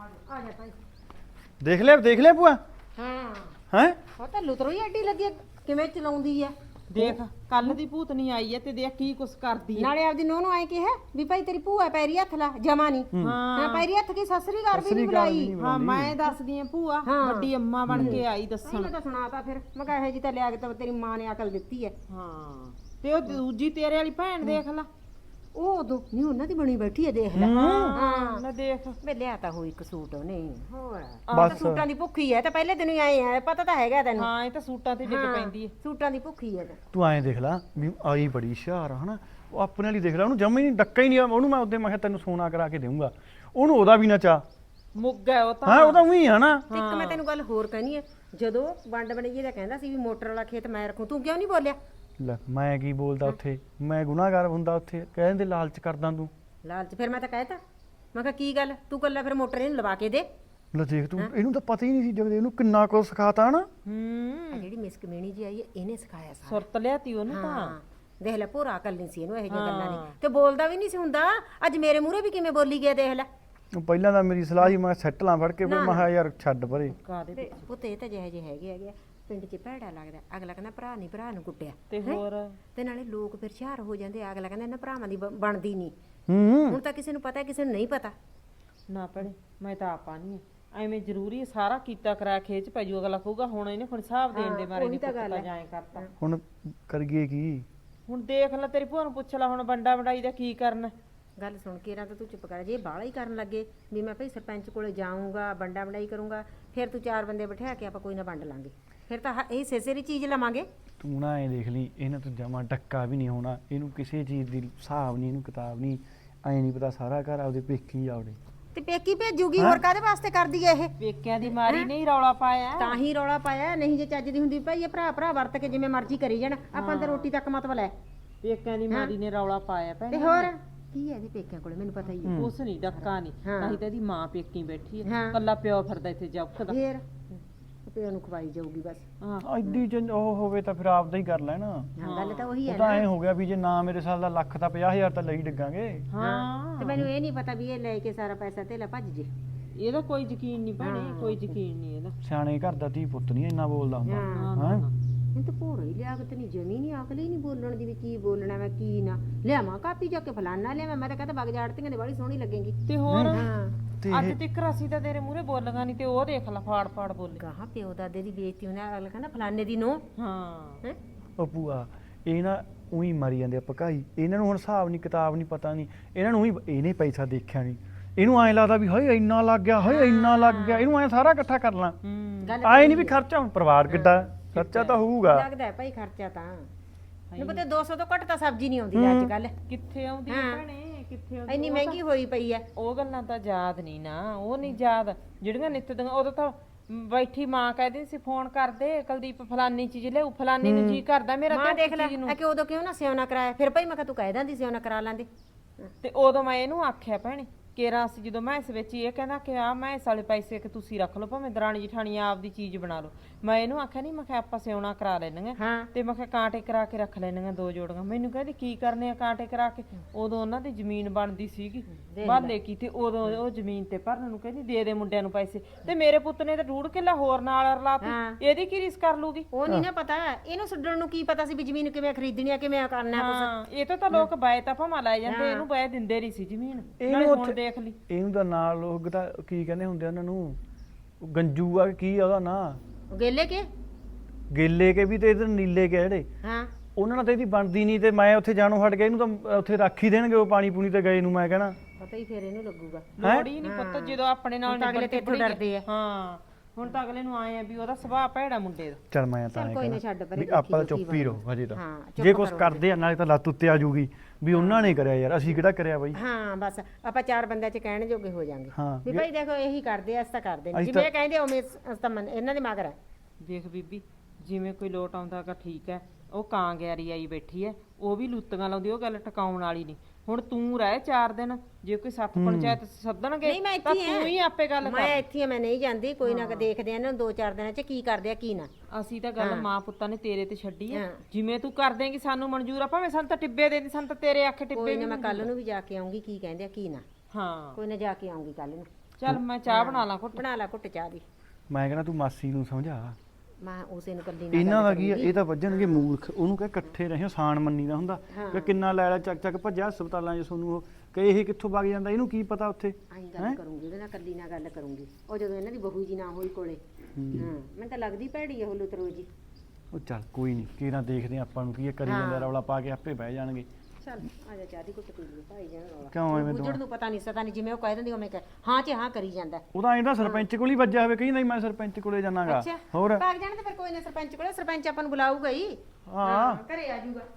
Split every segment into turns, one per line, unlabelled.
ਆ ਜਾ ਭਾਈ।
ਦੇਖ ਲਿਆ ਭੂਆ
ਹਾਂ
ਹੈ
ਉਹ ਤਾਂ ਲੁਤਰੋ ਹੀ ਐਡੀ ਲੱਗੀ ਕਿਵੇਂ ਚਲਾਉਂਦੀ ਆ।
ਦੇਖ ਕੱਲ ਦੀ ਭੂਤਨੀ ਆਈ ਐ ਤੇ ਦੇਖ ਕੀ ਕੁਛ ਕਰਦੀ ਐ।
ਨਾਲੇ ਆਪਦੀ ਨੂੰਹ ਨੂੰ ਆਏ ਕਿਹਾ ਵੀ ਭਾਈ ਤੇਰੀ ਭੂਆ ਪੈਰੀ ਹੱਥ ਲਾ ਜਮਾ ਨਹੀਂ। ਹਾਂ ਪੈਰੀ ਹੱਥ ਕੀ ਸਸਰੀ ਘਰ ਵੀ ਨਹੀਂ ਬੁਲਾਈ।
ਹਾਂ ਮੈਂ ਦੱਸਦੀ ਆ ਭੂਆ ਵੱਡੀ ਅੰਮਾ ਬਣ ਕੇ ਆਈ ਦੱਸਣ।
ਮੈਂ ਤਾਂ ਸੁਣਾਤਾ ਫਿਰ ਮੈਂ ਕਿਹਾ ਇਹ ਜੀ ਤਾਂ ਲਿਆ ਕੇ ਤਾਂ ਤੇਰੀ ਮਾਂ ਨੇ ਅਕਲ ਦਿੱਤੀ ਐ।
ਹਾਂ ਤੇ ਉਹ ਦੂਜੀ ਤੇਰੇ ਵਾਲੀ ਭੈਣ ਦੇਖ ਲਾ
ਉਹ ਉਦੋਂ ਨਹੀਂ ਉਹਨਾਂ ਦੀ ਬਣੀ ਬੈਠੀ ਐ ਦੇਖ ਲੈ।
ਹਾਂ ਲੈ ਦੇਖ
ਮੈਂ ਲਿਆ ਤਾਂ ਹੋਈ ਇੱਕ ਸੂਟ ਉਹਨੇ ਹੋਰ
ਬਸ।
ਤਾਂ ਸੂਟਾਂ ਦੀ ਭੁੱਖੀ ਐ ਤੇ ਪਹਿਲੇ ਦਿਨ ਹੀ ਆਏ ਆ ਪਤਾ ਤਾਂ ਹੈਗਾ ਤੈਨੂੰ।
ਹਾਂ ਇਹ ਤਾਂ ਸੂਟਾਂ ਤੇ ਡਿੱਗ ਪੈਂਦੀ ਐ।
ਸੂਟਾਂ ਦੀ ਭੁੱਖੀ ਐ।
ਤੂੰ ਐਂ ਦੇਖ ਲੈ ਵੀ ਆਈ ਬੜੀ ਹੁਸ਼ਿਆਰ ਆ ਹਨਾ ਉਹ ਆਪਣੇ ਵਾਲੀ ਦੇਖ ਲੈ ਉਹਨੂੰ ਜੰਮੀ ਨਹੀਂ ਡੱਕਾ ਹੀ ਨਹੀਂ ਉਹਨੂੰ ਮੈਂ ਉਹਦੇ ਮੈਂ ਕਿਹਾ ਤੈਨੂੰ ਸੋਨਾ ਕਰਾ ਕੇ ਦੇਵਾਂਗਾ ਉਹਨੂੰ ਉਹਦਾ ਵੀ ਨਾ ਚਾ
ਮੁੱਗ ਹੈ ਉਹ ਤਾਂ
ਹਾਂ ਉਹਦਾ ਉਹੀ ਆ ਨਾ।
ਇੱਕ ਮੈਂ ਤੈਨੂੰ ਗੱਲ ਹੋਰ ਕਹਿਣੀ ਐ ਜਦੋਂ ਵੰਡ ਬਣੀਏ ਦਾ ਕਹਿੰਦਾ ਸੀ ਵੀ ਮੋਟਰ ਵਾਲਾ ਖੇਤ ਮੈਂ ਰੱਖੂ ਤੂੰ ਕਿਉਂ ਨਹੀਂ ਬੋਲਿਆ।
ਲੈ ਮੈਂ ਕੀ ਬੋਲਦਾ ਉੱਥੇ ਮੈਂ ਗੁਨਾਹਗਾਰ ਹੁੰਦਾ ਉੱਥੇ ਕਹਿੰਦੇ ਲਾਲਚ ਕਰਦਾ ਤੂੰ
ਲਾਲਚ ਫਿਰ ਮੈਂ ਤਾਂ ਕਹਿਤਾ ਮੈਂ ਕਿਹਾ ਕੀ ਗੱਲ ਤੂੰ ਕੱਲਾ ਫਿਰ ਮੋਟਰ ਇਹਨੂੰ ਲਵਾ ਕੇ ਦੇ।
ਲੈ ਦੇਖ ਤੂੰ ਇਹਨੂੰ ਤਾਂ ਪਤਾ ਹੀ ਨਹੀਂ ਸੀ ਜਦ ਇਹਨੂੰ ਕਿੰਨਾ ਕੁ ਸਿਖਾਤਾ ਨਾ।
ਆ ਜਿਹੜੀ ਮਿਸ ਕਮੇਣੀ ਜੀ ਆਈ ਹੈ ਇਹਨੇ ਸਿਖਾਇਆ ਸਾਰਾ।
ਸੁਰਤ ਲਿਆਤੀ ਉਹਨੂੰ ਤਾਂ
ਹਾਂ ਦੇਖ ਲੈ ਭੋਰਾ ਅਕਲ ਨਹੀਂ ਸੀ ਇਹਨੂੰ ਇਹੋ ਜਿਹੀਆਂ ਗੱਲਾਂ ਦੀ ਤੇ ਬੋਲਦਾ ਵੀ ਨਹੀਂ ਸੀ ਹੁੰਦਾ। ਅੱਜ ਮੇਰੇ ਮੂਹਰੇ ਵੀ ਕਿਵੇਂ ਬੋਲੀ ਗਿਆ ਦੇਖ ਲੈ।
ਉਹ ਪਹਿਲਾਂ ਤਾਂ ਮੇਰੀ ਸਲਾਹ ਸੀ ਮੈਂ ਸੈੱਟ ਲਾਂ ਫੜ ਕੇ ਫਿਰ ਮੈਂ ਕਿਹਾ ਯਾਰ ਛੱਡ ਪਰੇ।
ਕਾਦੇ
ਪੁੱਤ ਇਹ ਤਾਂ ਜਿਹੇ ਹੈਗੇ ਆ ਪਿੰਡ 'ਚ ਭੈੜਾ ਲੱਗਦਾ ਅਗਲਾ ਕਹਿੰਦਾ ਭਰਾ ਨਹੀਂ ਭਰਾ ਨੂੰ ਕੁੱਟਿਆ
ਤੇ ਹੋਰ
ਤੇ ਨਾਲੇ ਲੋਕ ਫਿਰ ਹੁਸ਼ਿਆਰ ਹੋ ਜਾਂਦੇ ਅਗਲਾ ਕਹਿੰਦਾ ਇਹਨਾਂ ਭਰਾਵਾਂ ਦੀ ਬਣਦੀ ਨਹੀਂ।
ਹੂੰ
ਹੁਣ ਤਾਂ ਕਿਸੇ ਨੂੰ ਪਤਾ ਕਿਸੇ ਨੂੰ ਨਹੀਂ ਪਤਾ।
ਨਾ ਭੈਣੇ ਮੈਂ ਤਾਂ ਆਪਾ ਨਹੀਂ ਐਵੇਂ ਜ਼ਰੂਰੀ ਸਾਰਾ ਕੀਤਾ ਕਰਾ ਖੇਚ ਪੈ ਜੂ ਅਗਲਾ ਕਹੂਗਾ ਹੁਣ ਇਹਨੇ ਹੁਣ ਹਿਸਾਬ ਦੇਣ ਦੇ ਮਾਰੇ ਨਹੀਂ ਪਤਾ ਜਾਏ ਕਰਤਾ।
ਹੁਣ ਕਰੀਏ ਕੀ
ਹੁਣ ਦੇਖ ਲੈ ਤੇਰੀ ਭੂਆ ਨੂੰ ਪੁੱਛ ਲੈ ਹੁਣ ਵੰਡਾ ਵੰਡਾਈ ਦਾ ਕੀ ਕਰਨਾ।
ਗੱਲ ਸੁਣ ਕੇ ਤਾਂ ਤੂੰ ਚੁੱਪ ਕਰ ਜੇ ਬਾਹਲਾ ਹੀ ਕਰਨ ਲੱਗੇ ਵੀ ਮੈਂ ਭਾਈ ਸਰਪੰਚ ਕੋਲੇ ਜਾਊਂਗਾ ਵੰਡਾ ਵੰਡਾਈ ਕਰੂੰਗਾ ਫਿਰ ਤੂੰ ਚਾਰ ਬੰਦੇ ਬਿਠਾ ਕੇ ਆਪਾਂ ਕੋਈ ਨਾ ਵੰਡ ਲਾਂਗੇ ਫਿਰ ਤਾਂ ਇਹ ਸੇਸੇਰੀ ਚੀਜ਼ ਲਵਾਂਗੇ।
ਤੂੰ ਨਾ ਐਂ ਦੇਖ ਲਈ ਇਹਨਾਂ ਤੋਂ ਜਮਾ ਡੱਕਾ ਵੀ ਨਹੀਂ ਹੋਣਾ ਇਹਨੂੰ ਕਿਸੇ ਚੀਜ਼ ਦੀ ਹਿਸਾਬ ਨਹੀਂ ਇਹਨੂੰ ਕਿਤਾਬ ਨਹੀਂ ਐਂ ਨਹੀਂ ਪਤਾ ਸਾਰਾ ਘਰ ਆਪਦੇ ਪੇਕੀ ਆਉੜੇ
ਤੇ ਪੇਕੀ ਭੇਜੂਗੀ ਹੋਰ ਕਾਹਦੇ ਵਾਸਤੇ ਕਰਦੀ ਐ ਇਹ।
ਪੇਕਿਆਂ ਦੀ ਮਾਰੀ ਨਹੀਂ ਰੌਲਾ ਪਾਇਆ
ਤਾਂ ਹੀ ਰੌਲਾ ਪਾਇਆ ਨਹੀਂ ਜੇ ਚੱਜ ਦੀ ਹੁੰਦੀ ਭਾਈ ਇਹ ਭਰਾ ਭਰਾ ਵਰਤ ਕੇ ਜਿਵੇਂ ਮਰਜ਼ੀ ਕਰੀ ਜਾਣ ਆਪਾਂ ਤਾਂ ਰੋਟੀ ਤੱਕ ਮਤਲਬ ਹੈ।
ਪੇਕਿਆਂ ਦੀ ਮਾਰੀ ਨੇ ਰੌਲਾ ਪਾਇਆ
ਤੇ
ਭੈਣੇ
ਹੋਰ ਕੀ ਹੈ ਇਹਦੇ ਪੇਕਿਆਂ ਕੋਲੇ ਮੈਨੂੰ ਪਤਾ ਹੀ ਹੈ।
ਉਸ ਨਹੀਂ ਡੱਕਾ ਨਹੀਂ ਨਹੀਂ ਤਾਂ ਇਹਦੀ ਮਾਂ ਪੇਕੀ ਬੈਠੀ ਹੈ
ਹਾਂ।
ਕੱਲਾ ਪਿਓ ਫਿਰਦਾ ਇੱਥੇ ਜੱਫਦਾ
ਫੇਰ ਪਿਓ ਨੂੰ ਖਵਾਈ ਜਾਊਗੀ ਬਸ।
ਹਾਂ
ਐਡੀ ਉਹ ਹੋਵੇ ਤਾਂ ਫਿਰ ਆਪਦਾ ਹੀ ਕਰ ਲੈਣਾ।
ਹਾਂ ਗੱਲ ਤਾਂ ਉਹੀ ਹੈ
ਉਹ ਤਾਂ ਐ ਹੋ ਗਿਆ ਵੀ ਜੇ ਨਾ ਮੇਰੇ ਸਾਲ ਦਾ ਲੱਖ ਤਾਂ 50,000 ਤਾਂ ਲਈ ਡਿੱਗਾਂਗੇ।
ਹਾਂ
ਤੇ ਮੈਨੂੰ ਇਹ ਨਹੀਂ ਪਤਾ ਵੀ ਇਹ ਲੈ ਕੇ ਸਾਰਾ ਪੈਸਾ ਧੇਲਾ ਭੱਜ ਜੇ।
ਇਹਦਾ ਕੋਈ ਯਕੀਨ ਨਹੀਂ ਭੈਣੇ ਕੋਈ ਯਕੀਨ ਨਹੀਂ ਇਹਦਾ।
ਸਿਆਣੇ ਘਰ ਦਾ ਧੀ ਪੁੱਤ ਨਹੀਂ ਇੰਨਾ ਬੋਲਦਾ ਹੁੰਦਾ
ਹਾਂ ਮੈਨੂੰ ਤਾਂ ਭੋਰਾ ਹੀ ਲਿਆਕਤ ਨਹੀਂ ਜਮੀ ਨਹੀਂ ਅਕਲ ਹੀ ਨਹੀਂ ਬੋਲਣ ਦੀ ਵੀ ਕੀ ਬੋਲਣਾ ਮੈਂ ਕੀ ਨਾ ਲਿਆਵਾਂ ਕਾਪੀ ਜਾ ਕੇ ਫਲਾਨਾ ਲਿਆਵਾਂ ਮੈਂ ਤਾਂ ਕਹਿੰਦਾ ਬਗ ਜਾੜਤੀਆਂ ਦੇ ਬੜੀ ਸੋਹਣੀ ਲੱਗੇਗੀ।
ਤੇ ਹੋਰ
ਹਾਂ
ਅੱਜ ਤੱਕ ਅਸੀਂ ਤਾਂ ਤੇਰੇ ਮੂਹਰੇ ਬੋਲਾਂਗਾ ਨਹੀਂ ਤੇ ਉਹ ਦੇਖ ਲੈ ਫਾੜ ਫਾੜ ਬੋਲੇ
ਕਹਾ ਪਿਓ ਦਾਦੇ ਦੀ ਬੇਇੱਜ਼ਤੀ ਹੋਣਾ ਅਗਲਾ ਕਹਿੰਦਾ ਫਲਾਨੇ ਦੀ ਨੋ।
ਹਾਂ
ਹੈ
ਉਹ ਭੂਆ ਇਹ ਨਾ ਉਹੀ ਮਰੀ ਜਾਂਦੇ ਆ ਪਕਾਈ ਇਹਨਾਂ ਨੂੰ ਹੁਣ ਹਿਸਾਬ ਨਹੀਂ ਕਿਤਾਬ ਨਹੀਂ ਪਤਾ ਨਹੀਂ ਇਹਨਾਂ ਨੂੰ ਇਹਨੇ ਪੈਸਾ ਦੇਖਿਆ ਨਹੀਂ ਇਹਨੂੰ ਐਂ ਲੱਗਦਾ ਵੀ ਹਾਏ ਇੰਨਾ ਲੱਗ ਗਿਆ ਹਾਏ ਇੰਨਾ ਲੱਗ ਗਿਆ ਇਹਨੂੰ ਐਂ ਸਾਰਾ ਇਕੱਠਾ ਕਰ ਲਾਂ ਆਏ ਨਹੀਂ ਵੀ ਖਰਚਾ ਹੁਣ ਪਰਿਵਾਰ ਕਿੱਡਾ ਖਰਚਾ ਤਾਂ ਹੋਊਗਾ
ਲੱਗਦਾ ਹੈ ਭਾਈ ਖਰਚਾ ਤਾਂ ਨੂੰ ਪਤਾ 200 ਤੋਂ ਘੱਟ ਤਾਂ ਸਬਜ਼ੀ ਨਹੀਂ ਆਉਂਦੀ ਅੱਜ ਕੱਲ
ਕਿੱਥੇ ਆਉਂਦੀ ਹੈ ਭੈਣੇ ਕਿੱਥੇ ਆਉਂਦੀ
ਇੰਨੀ ਮਹਿੰਗੀ ਹੋਈ ਪਈ ਐ।
ਉਹ ਗੱਲਾਂ ਤਾਂ ਯਾਦ ਨਹੀਂ ਨਾ ਉਹ ਨਹੀਂ ਯਾਦ ਜਿਹੜੀਆਂ ਨਿੱਤ ਦੀਆਂ ਉਦੋਂ ਤਾਂ ਬੈਠੀ ਮਾਂ ਕਹਿੰਦੀ ਸੀ ਫੋਨ ਕਰਦੇ ਕੁਲਦੀਪ ਫਲਾਨੀ ਚੀਜ਼ ਲਿਆਉ ਫਲਾਨੀ ਨੂੰ ਜੀ ਕਰਦਾ ਮੇਰਾ
ਮਾਂ ਦੇਖ ਲੈ ਕਿ ਉਦੋਂ ਕਿਉਂ ਨਾ ਸਿਉਣਾ ਕਰਾਇਆ ਫਿਰ ਭਾਈ ਮੈਂ ਕਿਹਾ ਤੂੰ ਕਹਿ ਦਿੰਦੀ ਸਿਉਣਾ ਕਰਾ ਲੈਂਦੇ।
ਤੇ ਉਦੋਂ ਮੈਂ ਇਹਨੂੰ ਆਖਿਆ ਭੈਣੇ ਕੇਰਾ ਸੀ ਜਦੋਂ ਮੈਂ ਇਸ ਵਿੱਚ ਇਹ ਕਹਿੰਦਾ ਕਿ ਆ ਮੈਂ ਇਸ ਵਾਲੇ ਪੈਸੇ ਕਿ ਤੁਸੀਂ ਰੱਖ ਲਓ ਭਾਵੇਂ ਦਰਾਣੀ ਜਠਾਣੀ ਆਪਦੀ ਚੀਜ਼ ਬਣਾ ਲਓ ਮੈਂ ਇਹਨੂੰ ਆਖਿਆ ਨਹੀਂ ਮੈਂ ਕਿਹਾ ਆਪਾਂ ਸਿਉਣਾ ਕਰਾ ਲੈਣਗੇ ਤੇ ਮੈਂ ਕਿਹਾ ਕਾਂਟੇ ਕਰਾ ਕੇ ਰੱਖ ਲੈਣਗੇ ਦੋ ਜੋੜੀਆਂ ਮੈਨੂੰ ਕਹਿੰਦੀ ਕੀ ਕਰਨੇ ਆ ਕਾਂਟੇ ਕਰਾ ਕੇ ਉਦੋਂ ਉਹਨਾਂ ਦੀ ਜ਼ਮੀਨ ਬਣਦੀ ਸੀਗੀ ਬਾਲੇ ਕੀ ਤੇ ਉਦੋਂ ਉਹ ਜ਼ਮੀਨ ਤੇ ਭਰਨ ਨੂੰ ਕਹਿੰਦੀ ਦੇ ਦੇ ਮੁੰਡਿਆਂ ਨੂੰ ਪੈਸੇ ਤੇ ਮੇਰੇ ਪੁੱਤ ਨੇ ਤਾਂ ਡੂੜ ਕਿੱਲਾ ਹੋਰ ਨਾਲ ਰਲਾਤੀ ਇਹਦੀ ਕੀ ਰੀਸ ਕਰ ਲੂਗੀ
ਉਹ ਨਹੀਂ ਨਾ ਪਤਾ ਇਹਨੂੰ ਛੱਡਣ ਨੂੰ ਕੀ ਪਤਾ ਸੀ ਵੀ ਜ਼ਮੀਨ ਕਿਵੇਂ ਖਰੀਦਣੀ ਆ ਕਿਵੇਂ ਕਰਨਾ
ਕੁਛ ਇਹ ਤਾਂ ਲੋਕ ਬਾਏ ਤਾਂ ਭਾਵੇਂ ਲੈ ਜਾਂਦੇ ਇਹਨੂੰ ਬਾਏ ਦਿੰਦੇ ਨਹੀਂ ਸੀ ਜ਼ਮੀਨ ਨਾਲੇ ਹੁਣ ਦੇਖ ਲਈ
ਇਹਨੂੰ ਤਾਂ ਨਾਲ ਲੋਕ ਤਾਂ ਕੀ ਕਹਿੰਦੇ ਹੁੰਦੇ ਉਹਨਾਂ ਨੂੰ ਗੰਜੂ ਆ ਕੀ ਆ ਉਹਦਾ ਨਾਂ
ਗੇਲੇ ਕੇ
ਗੇਲੇ ਕੇ ਵੀ ਤੇ ਇਧਰ ਨੀਲੇ ਕੇ ਜਿਹੜੇ
ਹਾਂ
ਉਹਨਾਂ ਨਾਲ ਤਾਂ ਇਹਦੀ ਬਣਦੀ ਨਹੀਂ ਤੇ ਮੈਂ ਉੱਥੇ ਜਾਣੋਂ ਹਟ ਗਿਆ ਇਹਨੂੰ ਤਾਂ ਉੱਥੇ ਰੱਖ ਹੀ ਦੇਣਗੇ ਉਹ ਪਾਣੀ ਪੂਣੀ ਤੇ ਗਏ ਨੂੰ ਮੈਂ ਕਹਿਣਾ
ਪਤਾ ਹੀ ਫਿਰ ਇਹਨੂੰ ਲੱਗੂਗਾ
ਲੋੜ ਹੀ ਨਹੀਂ ਪੁੱਤ ਜਦੋਂ ਆਪਣੇ ਨਾਲ
ਅਗਲੇ ਤੇ ਡਰਦੇ ਆ।
ਹਾਂ ਹੁਣ ਤਾਂ ਅਗਲੇ ਨੂੰ ਆਏ ਆ ਵੀ ਉਹਦਾ ਸੁਭਾਅ ਭੈੜਾ ਮੁੰਡੇ ਦਾ
ਚੱਲ ਮੈਂ ਤਾਂ
ਕੋਈ ਨਾ ਛੱਡ ਪਰੇ
ਵੀ ਆਪਾਂ ਤਾਂ ਚੁੱਪ ਹੀ ਰਹੋ ਹਜੇ ਤਾਂ
ਹਾਂ
ਜੇ ਕੁਝ ਕਰਦੇ ਆ ਨਾਲੇ ਤਾਂ ਲੱਤ ਉੱਤੇ ਆ ਜੂਗੀ ਵੀ ਉਹਨਾਂ ਨੇ ਕਰਿਆ ਯਾਰ ਅਸੀਂ ਕਿਹੜਾ ਕਰਿਆ ਬਾਈ।
ਹਾਂ ਬਸ ਆਪਾਂ ਚਾਰ ਬੰਦਿਆਂ 'ਚ ਕਹਿਣ ਜੋਗੇ ਹੋ ਜਾਾਂਗੇ
ਹਾਂ
ਵੀ ਭਾਈ ਦੇਖੋ ਇਹੀ ਕਰਦੇ ਆ ਅਸੀਂ ਤਾਂ ਕਰਦੇ ਨੇ ਜਿਵੇਂ ਕਹਿੰਦੇ ਉਵੇਂ ਅਸੀਂ ਤਾਂ ਇਹਨਾਂ ਦੇ ਮਗਰ ਆ।
ਦੇਖ ਬੀਬੀ ਜਿਵੇਂ ਕੋਈ ਲੋਟ ਆਉਂਦਾਗਾ ਠੀਕ ਹੈ ਉਹ ਕਾਂ ਗਿਆਰੀ ਆਈ ਬੈਠੀ ਹੈ ਉਹ ਵੀ ਲੁੱਤੀਆਂ ਲਾਉਂਦੀ ਉਹ ਗੱਲ ਟਿਕਾਉਣ ਵਾਲੀ ਨਹੀਂ ਹੁਣ ਤੂੰ ਰਹਿ 4 ਦਿਨ ਜੇ ਕੋਈ ਸੱਤ ਪੰਚਾਇਤ ਸੱਦਣਗੇ ਤਾਂ ਤੂੰ ਹੀ ਆਪੇ ਗੱਲ ਕਰ
ਮੈਂ ਇੱਥੇ ਮੈਂ ਨਹੀਂ ਜਾਂਦੀ ਕੋਈ ਨਾ ਦੇਖਦੇ ਆ ਇਹਨਾਂ ਨੂੰ 2-4 ਦਿਨਾਂ 'ਚ ਕੀ ਕਰਦੇ ਆ ਕੀ ਨਾ
ਅਸੀਂ ਤਾਂ ਗੱਲ ਮਾਂ ਪੁੱਤਾਂ ਨੇ ਤੇਰੇ ਤੇ ਛੱਡੀ ਹੈ ਜਿਵੇਂ ਤੂੰ ਕਰ ਦੇਂਗੀ ਸਾਨੂੰ ਮਨਜ਼ੂਰ ਆ ਭਾਵੇਂ ਸਾਨੂੰ ਤਾਂ ਟਿੱਬੇ ਦੇ ਦੀ ਸਾਨੂੰ ਤਾਂ ਤੇਰੇ ਆਖੇ ਟਿੱਬੇ
ਕੋਈ ਨਾ ਮੈਂ ਕੱਲ ਨੂੰ ਵੀ ਜਾ ਕੇ ਆਉਂਗੀ ਕੀ ਕਹਿੰਦੇ ਆ ਕੀ ਨਾ
ਹਾਂ
ਕੋਈ ਨਾ ਜਾ ਕੇ ਆਉਂਗੀ ਕੱਲ ਨੂੰ
ਚੱਲ ਮੈਂ ਚਾਹ ਬਣਾ ਲਾਂ ਘੁੱਟ।
ਬਣਾ ਲੈ ਘੁੱਟ ਚਾਹ ਦੀ।
ਮੈਂ ਕਹਿੰਦਾ ਤੂੰ ਮਾਸੀ ਨੂੰ ਸਮਝਾ।
ਮੈਂ ਉਸੇ ਨੂੰ ਕੱਲੀ ਨਾਲ
ਇਹਨਾਂ ਦਾ
ਗੱਲ
ਕੀ ਆ,
ਕਰੂੰਗੀ।
ਇਹ ਤਾਂ ਵੱਜਣਗੇ ਮੂਰਖ। ਉਹਨੂੰ ਕਹੇ ਇਕੱਠੇ ਰਹਿਓ, ਸਾਨ ਮੰਨੀ ਦਾ ਹੁੰਦਾ ਕਿ ਕਿੰਨਾ ਲੈ ਲੈ ਚੱਕ ਚੱਕ ਭੱਜਿਆ ਹਸਪਤਾਲਾਂ 'ਚ ਤੁਹਾਨੂੰ ਉਹ ਕਹੇ ਇਹ ਕਿੱਥੋਂ ਵਗ ਜਾਂਦਾ, ਇਹਨੂੰ ਕੀ ਪਤਾ ਉੱਥੇ।
ਆਈ ਗੱਲ ਕਰੂੰਗੀ ਉਹਦੇ ਨਾਲ, ਕੱਲੀ ਨਾਲ ਗੱਲ ਕਰੂੰਗੀ। ਉਹ ਜਦੋਂ ਇਹਨਾਂ ਦੀ ਬਹੂ ਜੀ ਨਾ ਹੋਈ ਕੋਲੇ, ਮੈਨੂੰ ਤਾਂ ਲੱਗਦੀ ਭੈੜੀ ਆ ਉਹ ਲੁਤਰੋ ਜੀ।
ਉਹ ਚੱਲ ਕੋਈ ਨਹੀਂ, ਕਿਹੜਾ ਦੇਖਦੇ ਆਪਾਂ ਨੂੰ ਕੀ ਇਹ ਕਰੀ ਜਾਂਦੇ, ਰੌਲਾ ਪਾ ਕੇ ਆਪੇ ਬਹਿ ਜਾਣਗੇ।
ਚੱਲ ਆ ਜਾ ਚਾਹ ਦੀ ਘੁੱਟ ਪੀ ਲਈਏ ਭਾਈ ਜਾਨ ਰੌਲਾ।
ਕਿਉਂ ਐਵੇਂ
ਬੁੱਝੜ ਨੂੰ ਪਤਾ ਨਹੀਂ ਸਤਾ ਨਹੀਂ, ਜਿਵੇਂ ਉਹ ਕਹਿ ਦਿੰਦੀ ਉਵੇਂ ਹਾਂ ਚ ਹਾਂ ਕਰੀ ਜਾਂਦਾ।
ਉਹਦਾ ਇਹਦਾ ਸਰਪੰਚ ਕੋਲ ਹੀ ਵੱਜਿਆ ਹੋਵੇ, ਕਹੀ ਨਹੀਂ ਮੈਂ ਸਰਪੰਚ ਕੋਲੇ ਜਾਣਾਗਾ। ਹੋਰ
ਭਾਗ ਜਾਣ ਤੇ ਫਿਰ ਕੋਈ ਨਾ ਸਰਪੰਚ ਕੋਲੇ, ਸਰਪੰਚ ਆਪਾਂ ਨੂੰ ਬੁਲਾਊਗਾ ਹੀ।
ਹਾਂ
ਘਰੇ ਆ ਜਾਊਗਾ।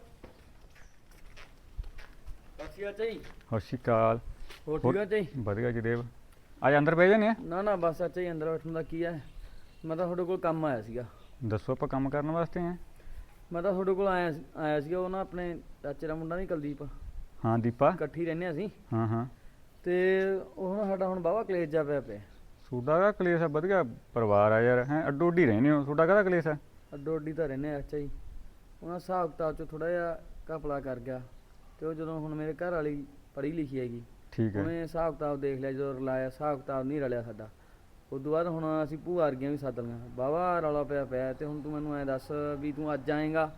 ਚਾਚੀ
ਸਤਿ ਸ਼੍ਰੀ ਅਕਾਲ।
ਹੋਰ ਠੀਕ ਆ ਚਾਚੀ?
ਵਧੀਆ ਜੀ ਦੇਵ, ਅੱਜ ਅੰਦਰ ਬਹਿ ਜਾਨੇ ਆ।
ਨਾ ਬਸ ਚਾਚਾ ਜੀ ਅੰਦਰ ਬੈਠਣ ਦਾ ਕੀ ਹੈ, ਮੈਂ ਤਾਂ ਤੁਹਾਡੇ ਕੋਲ ਕੰਮ ਆਇਆ ਸੀਗਾ।
ਦੱਸੋ, ਆਪਾਂ ਕੰਮ ਕਰਨ ਵਾਸਤੇ ਆ।
ਮੈਂ ਤਾਂ ਤੁਹਾਡੇ ਕੋਲ ਆਇਆ ਸੀਗਾ, ਉਹ ਨਾ ਆਪਣੇ ਚਾਚੇ ਦਾ ਮੁੰਡਾ ਨਹੀਂ ਕੁਲਦੀਪ,
ਹਾਂ ਦੀਪਾ।
ਇਕੱਠੀ ਰਹਿੰਦੇ ਹਾਂ ਅਸੀਂ।
ਹਾਂ
ਤੇ ਉਹ ਨਾ ਸਾਡਾ ਹੁਣ ਬਾਵਾ ਕਲੇਸ਼ ਜਾ ਪਿਆ।
ਤੁਹਾਡਾ ਦਾ ਕਲੇਸ਼ ਆ? ਵਧੀਆ ਪਰਿਵਾਰ ਆ ਯਾਰ, ਹੈ ਅੱਡੋ ਅੱਡੀ ਰਹਿੰਦੇ ਹੋ, ਤੁਹਾਡਾ ਕਾਹਦਾ ਕਲੇਸ਼ ਆ?
ਅੱਡੋ ਅੱਡੀ ਤਾਂ ਰਹਿੰਦੇ ਆ ਚਾਚਾ ਜੀ। ਉਹਨਾਂ ਹਿਸਾਬ ਕਿਤਾਬ 'ਚ ਥੋੜਾ ਜਿਹਾ ਘਪਲਾ ਕਰ ਗਿਆ, ਤੇ ਉਹ ਜਦੋਂ ਹੁਣ ਮੇਰੇ ਘਰ ਵਾਲੀ ਪੜ੍ਹੀ ਲਿਖੀ ਹੈਗੀ,
ਠੀਕ ਹੈ।
ਉਹਨੇ ਹਿਸਾਬ ਕਿਤਾਬ ਦੇਖ ਲਿਆ, ਜਦੋਂ ਰਲਾਇਆ ਹਿਸਾਬ ਕਿਤਾਬ ਨਹੀਂ ਰਲਿਆ ਸਾਡਾ। ਉਸ ਤੋਂ ਬਾਅਦ ਹੁਣ ਅਸੀਂ ਭੂਆ ਵਰਗੀਆਂ ਵੀ ਸੱਦ ਲਈਆਂ, ਬਾਵਾ ਰੌਲਾ ਪਿਆ। ਤੇ ਹੁਣ ਤੂੰ ਮੈਨੂੰ ਐਂ ਦੱਸ ਵੀ ਤੂੰ ਅੱਜ ਆਏਗਾ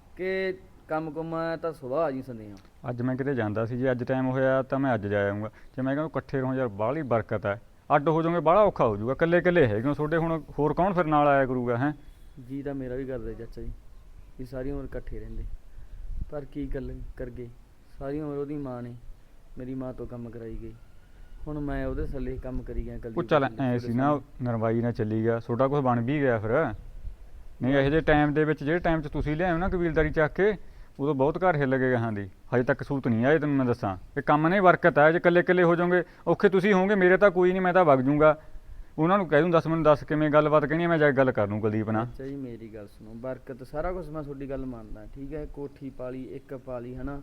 ਕਿ ਕੰਮ ਕੁੰਮ ਤਾਂ ਸੁਬਾਹ ਆ ਜੀ ਸੰਦੇਹਾਂ।
ਅੱਜ ਮੈਂ ਕਿਤੇ ਜਾਂਦਾ ਸੀ, ਜੇ ਅੱਜ ਟਾਈਮ ਹੋਇਆ ਤਾਂ ਮੈਂ ਅੱਜ ਜਾ ਆਉਂਗਾ। ਜੇ ਮੈਂ ਕਹਿੰਦਾ ਇਕੱਠੇ ਰਹੋ ਯਾਰ, ਬਾਹਲੀ ਬਰਕਤ ਹੈ। ਅੱਡ ਹੋ ਜਾਓਗੇ ਬਾਹਲਾ ਔਖਾ ਹੋ ਜਾਊਗਾ, ਇਕੱਲੇ ਇਕੱਲੇ ਹੈਗੇ ਤੁਹਾਡੇ, ਹੁਣ ਹੋਰ ਕੌਣ ਫਿਰ ਨਾਲ ਆਇਆ ਕਰੂਗਾ। ਹੈ
ਜੀ ਤਾਂ ਮੇਰਾ ਵੀ ਕਰਦਾ ਚਾਚਾ ਜੀ, ਵੀ ਸਾਰੀ ਉਮਰ ਇਕੱਠੇ ਰਹਿੰਦੇ, ਪਰ ਕੀ ਗੱਲ ਕਰ ਗਏ। ਸਾਰੀ ਉਮਰ ਉਹਦੀ ਮਾਂ ਨੇ ਮੇਰੀ ਮਾਂ ਤੋਂ ਕੰਮ ਕਰਾਈ ਗਈ, ਹੁਣ ਮੈਂ ਉਹਦੇ ਥੱਲੇ ਕੰਮ ਕਰੀ ਗਿਆ।
ਉਹ ਚੱਲ ਐ ਸੀ ਨਾ, ਨਰਵਾਈ ਨਾਲ ਚੱਲੀ ਗਿਆ, ਤੁਹਾਡਾ ਕੁਝ ਬਣ ਵੀ ਗਿਆ ਫਿਰ। ਨਹੀਂ ਇਹੋ ਜਿਹੇ ਟਾਈਮ ਦੇ ਵਿੱਚ, ਜਿਹੜੇ ਟਾਈਮ 'ਚ ਤੁਸੀਂ ਲਿਆਓ ਨਾ ਕਬੀਲਦਾਰੀ ਚੱਕ ਕੇ, ਉਦੋਂ ਬਹੁਤ ਘਰ ਹਿੱਲ ਗਏ ਗਾਹਾਂ ਦੀ। ਹਜੇ ਤੱਕ ਸੂਤ ਨਹੀਂ ਆਏ, ਤੈਨੂੰ ਮੈਂ ਦੱਸਾਂ। ਇਹ ਕੰਮ ਨਹੀਂ ਬਰਕਤ ਹੈ, ਜੇ ਇਕੱਲੇ ਇਕੱਲੇ ਹੋ ਜਾਓਗੇ ਔਖੇ ਤੁਸੀਂ ਹੋਵੋਗੇ। ਮੇਰੇ ਤਾਂ ਕੋਈ ਨਹੀਂ, ਮੈਂ ਤਾਂ ਵਗ ਜੂੰਗਾ। ਉਹਨਾਂ ਨੂੰ ਕਹਿ ਦੂੰ ਮੈਨੂੰ ਦੱਸ ਕਿਵੇਂ ਗੱਲਬਾਤ ਕਹਿਣੀ ਹੈ, ਮੈਂ ਜਾ ਕੇ ਗੱਲ ਕਰ ਲੂੰ ਕੁਲਦੀਪ ਨਾਲ।
ਅੱਛਾ ਜੀ ਮੇਰੀ ਗੱਲ ਸੁਣੋ, ਬਰਕਤ ਸਾਰਾ ਕੁਝ ਮੈਂ ਤੁਹਾਡੀ ਗੱਲ ਮੰਨਦਾ, ਠੀਕ ਹੈ। ਕੋਠੀ ਪਾਲੀ, ਇੱਕ ਪਾਲੀ ਹੈ ਨਾ,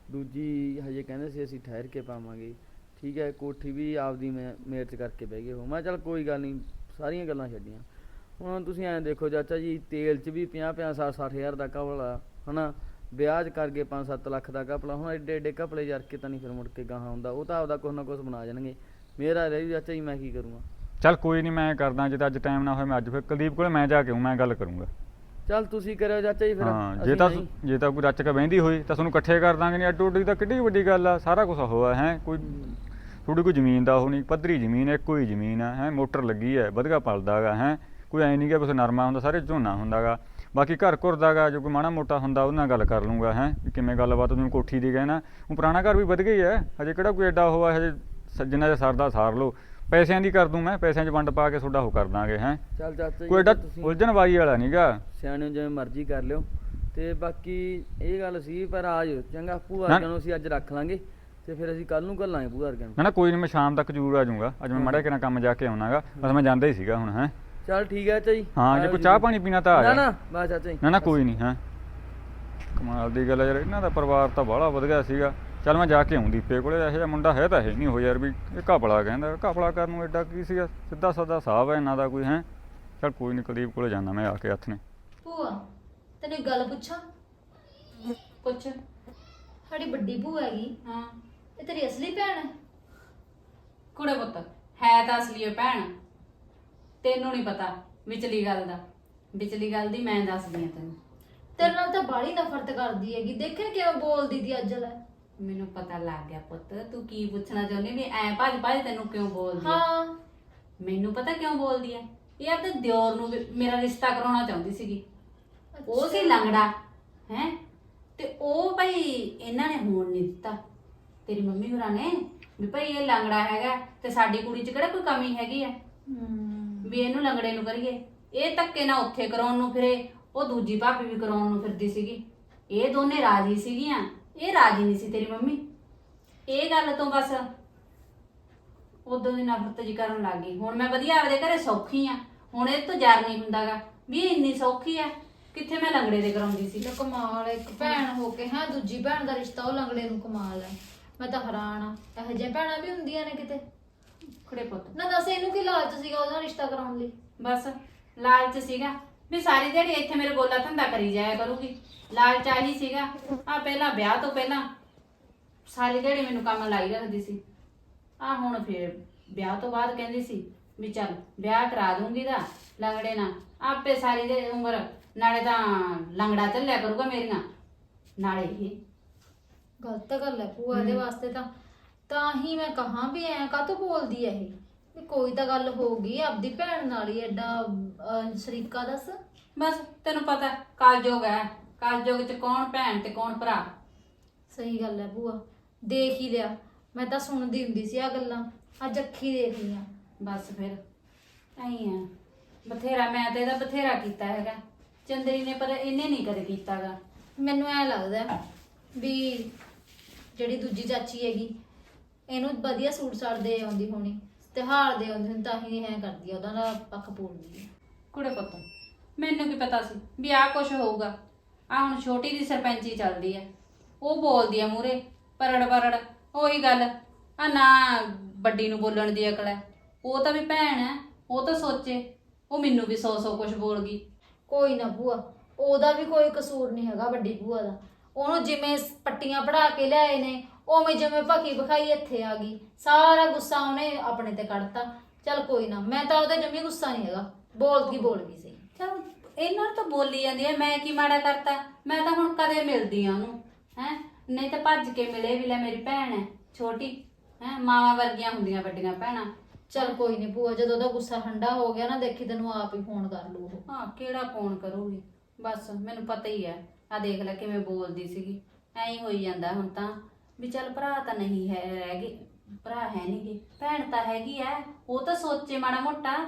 ਦੂਜੀ ਹਜੇ ਕਹਿੰਦੇ ਸੀ ਅਸੀਂ ਠਹਿਰ ਕੇ ਪਾਵਾਂਗੇ, ਠੀਕ ਹੈ। ਕੋਠੀ ਵੀ ਆਪਦੀ ਮੇਰਚ ਕਰਕੇ ਬਹਿ ਗਏ ਹੋ। ਮੈਂ ਚੱਲ ਕੋਈ ਗੱਲ ਨਹੀਂ, ਸਾਰੀਆਂ ਗੱਲਾਂ ਛੱਡੀਆਂ। ਹੁਣ ਤੁਸੀਂ ਐਂ ਦੇਖੋ ਚਾਚਾ ਜੀ, ਤੇਲ 'ਚ ਵੀ 50-50 60 ਹਜ਼ਾਰ ਦਾ ਘਪਲਾ ਹੈ ਨਾ, ਵਿਆਹ 'ਚ ਕਰਕੇ 5-7 ਲੱਖ ਦਾ ਘਪਲਾ। ਹੁਣ ਐਡੇ ਐਡੇ ਘਪਲੇ ਯਾਰ ਕੇ ਤਾਂ ਨਹੀਂ ਫਿਰ ਮੁੜ ਕੇ ਗਾਹਾਂ ਹੁੰਦਾ, ਉਹ ਤਾਂ ਆਪਦਾ ਕੁਛ ਨਾ ਕੁਛ ਬਣਾ ਜਾਣਗੇ। ਮੇਰਾ ਰਹੀ ਚਾਚਾ ਜੀ, ਮੈਂ ਕੀ ਕਰੂੰਗਾ।
ਚੱਲ ਕੋਈ ਨਹੀਂ, ਮੈਂ ਕਰਦਾ। ਜੇ ਤਾਂ ਅੱਜ ਟਾਈਮ ਨਾ ਹੋਇਆ ਮੈਂ ਅੱਜ ਫਿਰ ਕੁਲਦੀਪ ਕੋਲੇ ਮੈਂ ਜਾ ਕੇ ਆਊਂ, ਮੈਂ ਗੱਲ ਕਰੂੰਗਾ।
ਚੱਲ ਤੁਸੀਂ ਕਰਿਓ ਚਾਚਾ ਜੀ ਫਿਰ।
ਹਾਂ,
ਅਸੀਂ ਨਹੀਂ।
ਜੇ ਤਾਂ ਕੋਈ ਰੱਚ ਕੇ ਬਹਿੰਦੀ ਹੋਈ ਤਾਂ ਤੁਹਾਨੂੰ ਇਕੱਠੇ ਕਰ ਦਾਂਗੇ। ਨਹੀਂ ਅੱਡੋ ਅੱਡੀ ਤਾਂ ਕਿੱਡੀ ਵੱਡੀ ਗੱਲ ਆ, ਸਾਰਾ ਕੁਝ ਹੋਇਆ ਹੈ। ਕੋਈ ਥੋੜੀ ਕੋਈ ਜ਼ਮੀਨ ਦਾ ਉਹ ਨਹੀਂ, ਪੱਧਰੀ ਜ਼ਮੀਨ, ਇੱਕੋ ਹੀ ਜ਼ਮੀਨ ਆ ਹੈ, ਮੋਟਰ ਲੱਗੀ ਹੈ, ਵਧੀਆ ਪਲਦਾ ਗਾ ਹੈ। ਕੋਈ ਐਂ ਨਹੀਂ ਕਿ ਬਸ ਨਰਮਾ ਹੁੰਦਾ, ਸਾਰੇ ਝੋਨਾ ਹੁੰਦਾ ਗਾ। ਬਾਕੀ ਘਰ ਘੁਰ ਦਾ ਗਾ, ਜੋ ਕੋਈ ਮਾੜਾ ਮੋਟਾ ਹੁੰਦਾ ਉਹਦੇ ਨਾਲ ਗੱਲ ਕਰ ਲੂੰਗਾ ਹੈ, ਵੀ ਕਿਵੇਂ ਗੱਲਬਾਤ। ਜਿਵੇਂ ਕੋਠੀ ਦੀ ਕਹਿਣਾ, ਉਹ ਪੁਰਾਣਾ ਘਰ ਵੀ ਵਧ ਗਈ ਹੈ, ਹਜੇ ਕਿਹੜਾ ਕੋਈ ਐਡਾ ਉਹ ਹੈ। ਹਜੇ ਜਿੰਨਾ ਜਿਹਾ ਸਰਦਾ ਸਾਰ ਲਓ, ਪੈਸਿਆਂ ਦੀ ਕਰ ਦੂੰ ਮੈਂ, ਪੈਸਿਆਂ 'ਚ ਵੰਡ ਪਾ ਕੇ ਤੁਹਾਡਾ ਉਹ ਕਰ ਦਾਂਗੇ ਹੈ।
ਚੱਲ ਚਾਚਾ
ਕੋਈ ਐਡਾ
ਜੀ ਤੁਸੀਂ
ਉਲਝਣ ਵਾਲੀ ਵਾਲਾ ਨਹੀਂ ਗਾ।
ਸਿਆਣੇ ਜਿਵੇਂ ਮਰਜ਼ੀ ਕਰ ਲਿਓ। ਤੇ ਬਾਕੀ ਇਹ ਗੱਲ ਸੀ, ਪਰ ਆ ਜਾਓ ਚੰਗਾ। ਭੂਆ
ਨਾ-
ਨੂੰ ਅਸੀਂ ਅੱਜ ਰੱਖ ਲਾਂਗੇ, ਤੇ ਫਿਰ ਅਸੀਂ ਕੱਲ ਨੂੰ ਘੱਲਾਂਗੇ ਭੂਆ ਨੂੰ।
ਨਾ ਕੋਈ ਨਹੀਂ, ਮੈਂ ਸ਼ਾਮ ਤੱਕ ਜ਼ਰੂਰ ਆ ਜਾਊਂਗਾ। ਅੱਜ ਮੈਂ ਮਾੜਾ ਕਿਹਨਾਂ ਕੰਮ ਜਾ ਕੇ ਆਉਣਾਗਾ, ਬਸ ਮੈਂ ਜਾਂਦਾ ਹੀ ਸੀਗਾ ਹੁਣ ਹੈ।
ਚੱਲ ਠੀਕ ਹੈ ਚਾਚਾ ਜੀ।
ਹਾਂ, ਜੇ ਕੋਈ ਚਾਹ ਪਾਣੀ ਪੀਣਾ ਤਾਂ ਆ
ਨਾ
ਜਾ।
ਨਾ ਬਸ ਚਾਚਾ ਜੀ।
ਨਾ ਕੋਈ ਨਹੀਂ ਹੈ। ਕਮਾਲ ਦੀ ਗੱਲ ਹੈ ਯਾਰ, ਇਹਨਾਂ ਦਾ ਪਰਿਵਾਰ ਤਾਂ ਬਾਹਲਾ ਵਧੀਆ ਸੀਗਾ। ਚੱਲ ਮੈਂ ਜਾ ਕੇ ਆਉਂ ਦੀਪੇ ਕੋਲੇ, ਇਹੋ ਜਿਹਾ ਮੁੰਡਾ ਹੈ ਤਾਂ ਹੈ ਨਹੀਂ ਉਹ ਯਾਰ, ਵੀ ਇਹ ਘਪਲਾ ਕਹਿੰਦਾ। ਘਪਲਾ ਕਰਨ ਨੂੰ ਐਡਾ ਕੀ ਸੀਗਾ, ਸਿੱਧਾ ਸਾਦਾ ਹਿਸਾਬ ਹੈ ਇਹਨਾਂ ਦਾ ਕੋਈ ਹੈ। ਚੱਲ ਕੋਈ ਨਹੀਂ, ਕੁਲਦੀਪ ਕੋਲੇ ਜਾਂਦਾ ਮੈਂ ਆ ਕੇ ਹੱਥ ਨੇ।
ਭੂਆ ਤੈਨੂੰ ਇੱਕ ਗੱਲ ਪੁੱਛਾਂ?
ਪੁੱਛ।
ਸਾਡੀ ਵੱਡੀ ਭੂਆ ਹੈਗੀ,
ਹਾਂ
ਇਹ ਤੇਰੀ ਅਸਲੀ ਭੈਣ ਹੈ?
ਕੁੜੇ ਪੁੱਤ ਹੈ ਤਾਂ ਅਸਲੀ ਓ ਭੈਣ, ਤੈਨੂੰ ਨਹੀਂ ਪਤਾ ਵਿਚਲੀ ਗੱਲ ਦਾ। ਵਿਚਲੀ ਗੱਲ ਦੀ ਮੈਂ ਦੱਸਦੀ ਆ ਤੈਨੂੰ।
ਤੇਰੇ ਨਾਲ ਤਾਂ ਬਾਹਲੀ ਨਫ਼ਰਤ ਕਰਦੀ ਹੈਗੀ, ਦੇਖਿਆ ਕਿਵੇਂ ਬੋਲਦੀ ਦੀ ਅੱਜ ਲੈ।
ਮੈਨੂੰ ਪਤਾ ਲੱਗ ਗਿਆ ਪੁੱਤ, ਤੂੰ ਕੀ ਪੁੱਛਣਾ ਚਾਹੁੰਦੀ ਵੀ ਐ ਭੱਜ ਭੱਜ ਤੈਨੂੰ ਕਿਉਂ ਬੋਲਦੀ ਆ।
ਹਾਂ
ਮੈਨੂੰ ਪਤਾ ਕਿਉਂ ਬੋਲਦੀ ਐ, ਇਹ ਆਪਣੇ ਦਿਓਰ ਨੂੰ ਮੇਰਾ ਰਿਸ਼ਤਾ ਕਰਾਉਣਾ ਚਾਹੁੰਦੀ ਸੀਗੀ। ਉਹ ਸੀ ਲੰਗੜਾ ਹੈ, ਤੇ ਉਹ ਭਾਈ ਇਹਨਾਂ ਨੇ ਹੋਣ ਨਹੀਂ ਦਿੱਤਾ, ਤੇਰੀ ਮੰਮੀ ਹੋਰਾਂ ਨੇ, ਵੀ ਭਾਈ ਇਹ ਲੰਗੜਾ ਹੈਗਾ ਤੇ ਸਾਡੀ ਕੁੜੀ 'ਚ ਕਿਹੜਾ ਕੋਈ ਕਮੀ ਹੈਗੀ ਆ ਵੀ ਇਹਨੂੰ ਲੰਗੜੇ ਨੂੰ ਕਰੀਏ। ਇਹ ਧੱਕੇ ਨਾਲ ਉੱਥੇ ਕਰਾਉਣ ਨੂੰ ਫਿਰੇ, ਉਹ ਦੂਜੀ ਭਾਬੀ ਵੀ ਕਰਾਉਣ ਨੂੰ ਫਿਰਦੀ ਸੀਗੀ। ਇਹ ਦੋਨੇ ਰਾਜੀ ਸੀਗੀਆਂ, ਇਹ ਰਾਜੀ ਨਹੀਂ ਸੀ ਤੇਰੀ ਮੰਮੀ। ਇਹ ਗੱਲ ਤੋਂ ਬਸ ਉਦੋਂ ਦੀ ਨਫ਼ਰਤ ਜੀ ਕਰਨ ਲੱਗ ਗਈ। ਹੁਣ ਮੈਂ ਵਧੀਆ ਆਪਦੇ ਘਰੇ ਸੌਖੀ ਆ, ਹੁਣ ਇਹ ਤੋਂ ਜਰ ਨਹੀਂ ਹੁੰਦਾਗਾ ਵੀ ਇਹ ਇੰਨੀ ਸੌਖੀ ਆ, ਕਿੱਥੇ ਮੈਂ ਲੰਗੜੇ ਦੇ ਕਰਾਉਂਦੀ ਸੀ।
ਲੈ ਕਮਾਲ ਹੈ, ਇੱਕ ਭੈਣ ਹੋ ਕੇ ਹਾਂ ਦੂਜੀ ਭੈਣ ਦਾ ਰਿਸ਼ਤਾ ਉਹ ਲੰਗੜੇ ਨੂੰ, ਕਮਾਲ ਹੈ। ਮੈਂ ਤਾਂ ਹੈਰਾਨ ਆ, ਇਹੋ ਜਿਹੀਆਂ ਭੈਣਾਂ ਵੀ ਹੁੰਦੀਆਂ ਨੇ ਕਿਤੇ।
ਖੜੇ ਪੁੱਤ
ਨਾ ਦੱਸ ਇਹਨੂੰ ਕੀ ਲਾਲਚ ਸੀਗਾ ਉਹਦਾ ਰਿਸ਼ਤਾ ਕਰਾਉਣ ਲਈ?
ਬਸ ਲਾਲਚ ਸੀਗਾ ਵੀ ਸਾਰੀ ਦਿਹਾੜੀ ਇੱਥੇ ਮੇਰੇ ਗੋਲਾ ਧੰਦਾ ਕਰੀ ਜਾਇਆ ਕਰੂਗੀ। ਲਾਲਚ ਆਹੀ ਸੀਗਾ। ਆ ਪਹਿਲਾਂ ਵਿਆਹ ਤੋਂ ਪਹਿਲਾਂ ਸਾਰੀ ਦਿਹਾੜੀ ਮੈਨੂੰ ਕੰਮ ਲਾਈ ਰੱਖਦੀ ਸੀ, ਆ ਹੁਣ ਫੇਰ ਵਿਆਹ ਤੋਂ ਬਾਅਦ ਕਹਿੰਦੀ ਸੀ ਵੀ ਚੱਲ ਵਿਆਹ ਕਰਾ ਦੂੰਗੀ ਦਾ ਲੰਗੜੇ ਨਾਲ, ਆਪੇ ਸਾਰੀ ਦੇ ਉਮਰ ਨਾਲੇ ਤਾਂ ਲੰਗੜਾ ਚੱਲਿਆ ਕਰੂਗਾ ਮੇਰੀਆਂ, ਨਾਲੇ ਇਹ
ਗਲਤ ਗੱਲ ਹੈ ਭੂਆ ਇਹਦੇ ਵਾਸਤੇ ਤਾਂ ਹੀ ਮੈਂ ਕਹਾਂ ਵੀ ਐ ਕਾਹਤੋਂ ਬੋਲਦੀ ਐ ਇਹ ਵੀ ਕੋਈ ਤਾਂ ਗੱਲ ਹੋਊਗੀ ਆਪਦੀ ਭੈਣ ਨਾਲ ਹੀ ਐਡਾ ਸ਼ਰੀਕਾ ਦੱਸ।
ਬਸ ਤੈਨੂੰ ਪਤਾ ਕਲਯੁਗ ਹੈ, ਕਲਯੁਗ ਚ ਕੌਣ ਭੈਣ ਤੇ ਕੌਣ ਭਰਾ।
ਸਹੀ ਗੱਲ ਹੈ ਭੂਆ, ਦੇਖ ਹੀ ਲਿਆ, ਮੈਂ ਤਾਂ ਸੁਣਦੀ ਹੁੰਦੀ ਸੀ ਆ ਗੱਲਾਂ, ਅੱਜ ਅੱਖੀ ਦੇਖ ਲਈਆਂ।
ਬਸ ਫਿਰ ਐਂ ਆ, ਬਥੇਰਾ ਮੈਂ ਤੇ ਇਹਦਾ ਬਥੇਰਾ ਕੀਤਾ ਹੈਗਾ ਚੰਦਰੀ ਨੇ, ਪਰ ਇਹਨੇ ਨਹੀਂ ਕਦੇ ਕੀਤਾਗਾ।
ਮੈਨੂੰ ਐ ਲੱਗਦਾ ਹੈ ਵੀ ਜਿਹੜੀ ਦੂਜੀ ਚਾਚੀ ਹੈਗੀ ਇਹਨੂੰ ਵਧੀਆ ਸੂਟ ਸਾਟ ਦੇ ਆਉਂਦੀ ਹੋਣੀ, ਤਿਉਹਾਰ ਦੇ ਆਉਂਦੇ ਹੋਣ, ਤਾਂ ਹੀ ਐ ਕਰਦੀ ਆ, ਉਹਦਾ ਦਾ ਪੱਖ ਪੂਰਦੀ ਹੈ।
ਕੁੜੇ ਪੁੱਤ ਮੈਨੂੰ ਕੀ ਪਤਾ ਸੀ ਵੀ ਆਹ ਕੁਛ ਹੋਊਗਾ। ਆ ਹੁਣ ਛੋਟੀ ਦੀ ਸਰਪੰਚੀ ਚੱਲਦੀ ਹੈ, ਉਹ ਬੋਲਦੀ ਆ ਮੂਰੇ ਪਰੜ ਪਰੜ, ਉਹੀ ਗੱਲ ਆ ਨਾ ਵੱਡੀ ਨੂੰ ਬੋਲਣ ਦੀ ਅਕਲ ਹੈ। ਉਹ ਤਾਂ ਵੀ ਭੈਣ ਹੈ, ਉਹ ਤਾਂ ਸੋਚੇ, ਉਹ ਮੈਨੂੰ ਵੀ 100 ਕੁਛ ਬੋਲ ਗਈ।
ਕੋਈ ਨਾ ਭੂਆ, ਉਹਦਾ ਵੀ ਕੋਈ ਕਸੂਰ ਨਹੀਂ ਹੈਗਾ ਵੱਡੀ ਭੂਆ ਦਾ, ਉਹਨੂੰ ਜਿਵੇਂ ਪੱਟੀਆਂ ਪੜਾ ਕੇ ਲਿਆਏ ਨੇ ਉਵੇਂ ਜਿਵੇਂ ਭਕੀ ਭਖਾਈ ਇੱਥੇ ਆ ਗਈ, ਸਾਰਾ ਗੁੱਸਾ ਉਹਨੇ ਆਪਣੇ ਤੇ ਕੱਢਤਾ। ਚੱਲ ਕੋਈ ਨਾ, ਮੈਂ ਤਾਂ ਉਹਦੇ ਜਮੀ ਗੁੱਸਾ ਨਹੀਂ ਹੈਗਾ, ਬੋਲ ਗਈ ਸੀ।
ਚਲ ਇਹਨਾਂ ਨੂੰ ਤਾਂ ਬੋਲੀ ਜਾਂਦੀ ਹੈ, ਮੈਂ ਕੀ ਮਾੜਾ ਕਰਤਾ। ਮੈਂ ਤਾਂ ਹੁਣ ਕਦੇ ਮਿਲਦੀ ਆ ਉਹਨੂੰ ਹੈ, ਨਹੀਂ ਤਾਂ ਭੱਜ ਕੇ ਮਿਲੇ ਵੀ ਲੈ ਮੇਰੀ ਭੈਣ ਹੈ ਛੋਟੀ ਹੈ, ਮਾਵਾਂ ਵਰਗੀਆਂ ਹੁੰਦੀਆਂ ਵੱਡੀਆਂ ਭੈਣਾਂ।
ਚੱਲ ਕੋਈ ਨਹੀਂ ਭੂਆ, ਜਦੋਂ ਉਹਦਾ ਗੁੱਸਾ ਠੰਡਾ ਹੋ ਗਿਆ ਨਾ, ਦੇਖੀ ਤੈਨੂੰ ਆਪ ਹੀ ਫੋਨ ਕਰ ਲੂ ਉਹ।
ਹਾਂ ਕਿਹੜਾ ਫੋਨ ਕਰੂਗੀ, ਬਸ ਮੈਨੂੰ ਪਤਾ ਹੀ ਹੈ। ਆ ਦੇਖ ਲੈ ਕਿਵੇਂ ਬੋਲਦੀ ਸੀਗੀ, ਐਂ ਹੀ ਹੋਈ ਜਾਂਦਾ ਹੁਣ ਤਾਂ ਵੀ ਚੱਲ ਭਰਾ ਤਾਂ ਨਹੀਂ ਹੈ, ਰਹਿ ਗਏ ਭਰਾ ਹੈ ਨਹੀਂ ਗੇ, ਭੈਣ ਤਾਂ ਹੈਗੀ ਐ, ਉਹ ਤਾਂ ਸੋਚੇ ਮਾੜਾ ਮੋਟਾ।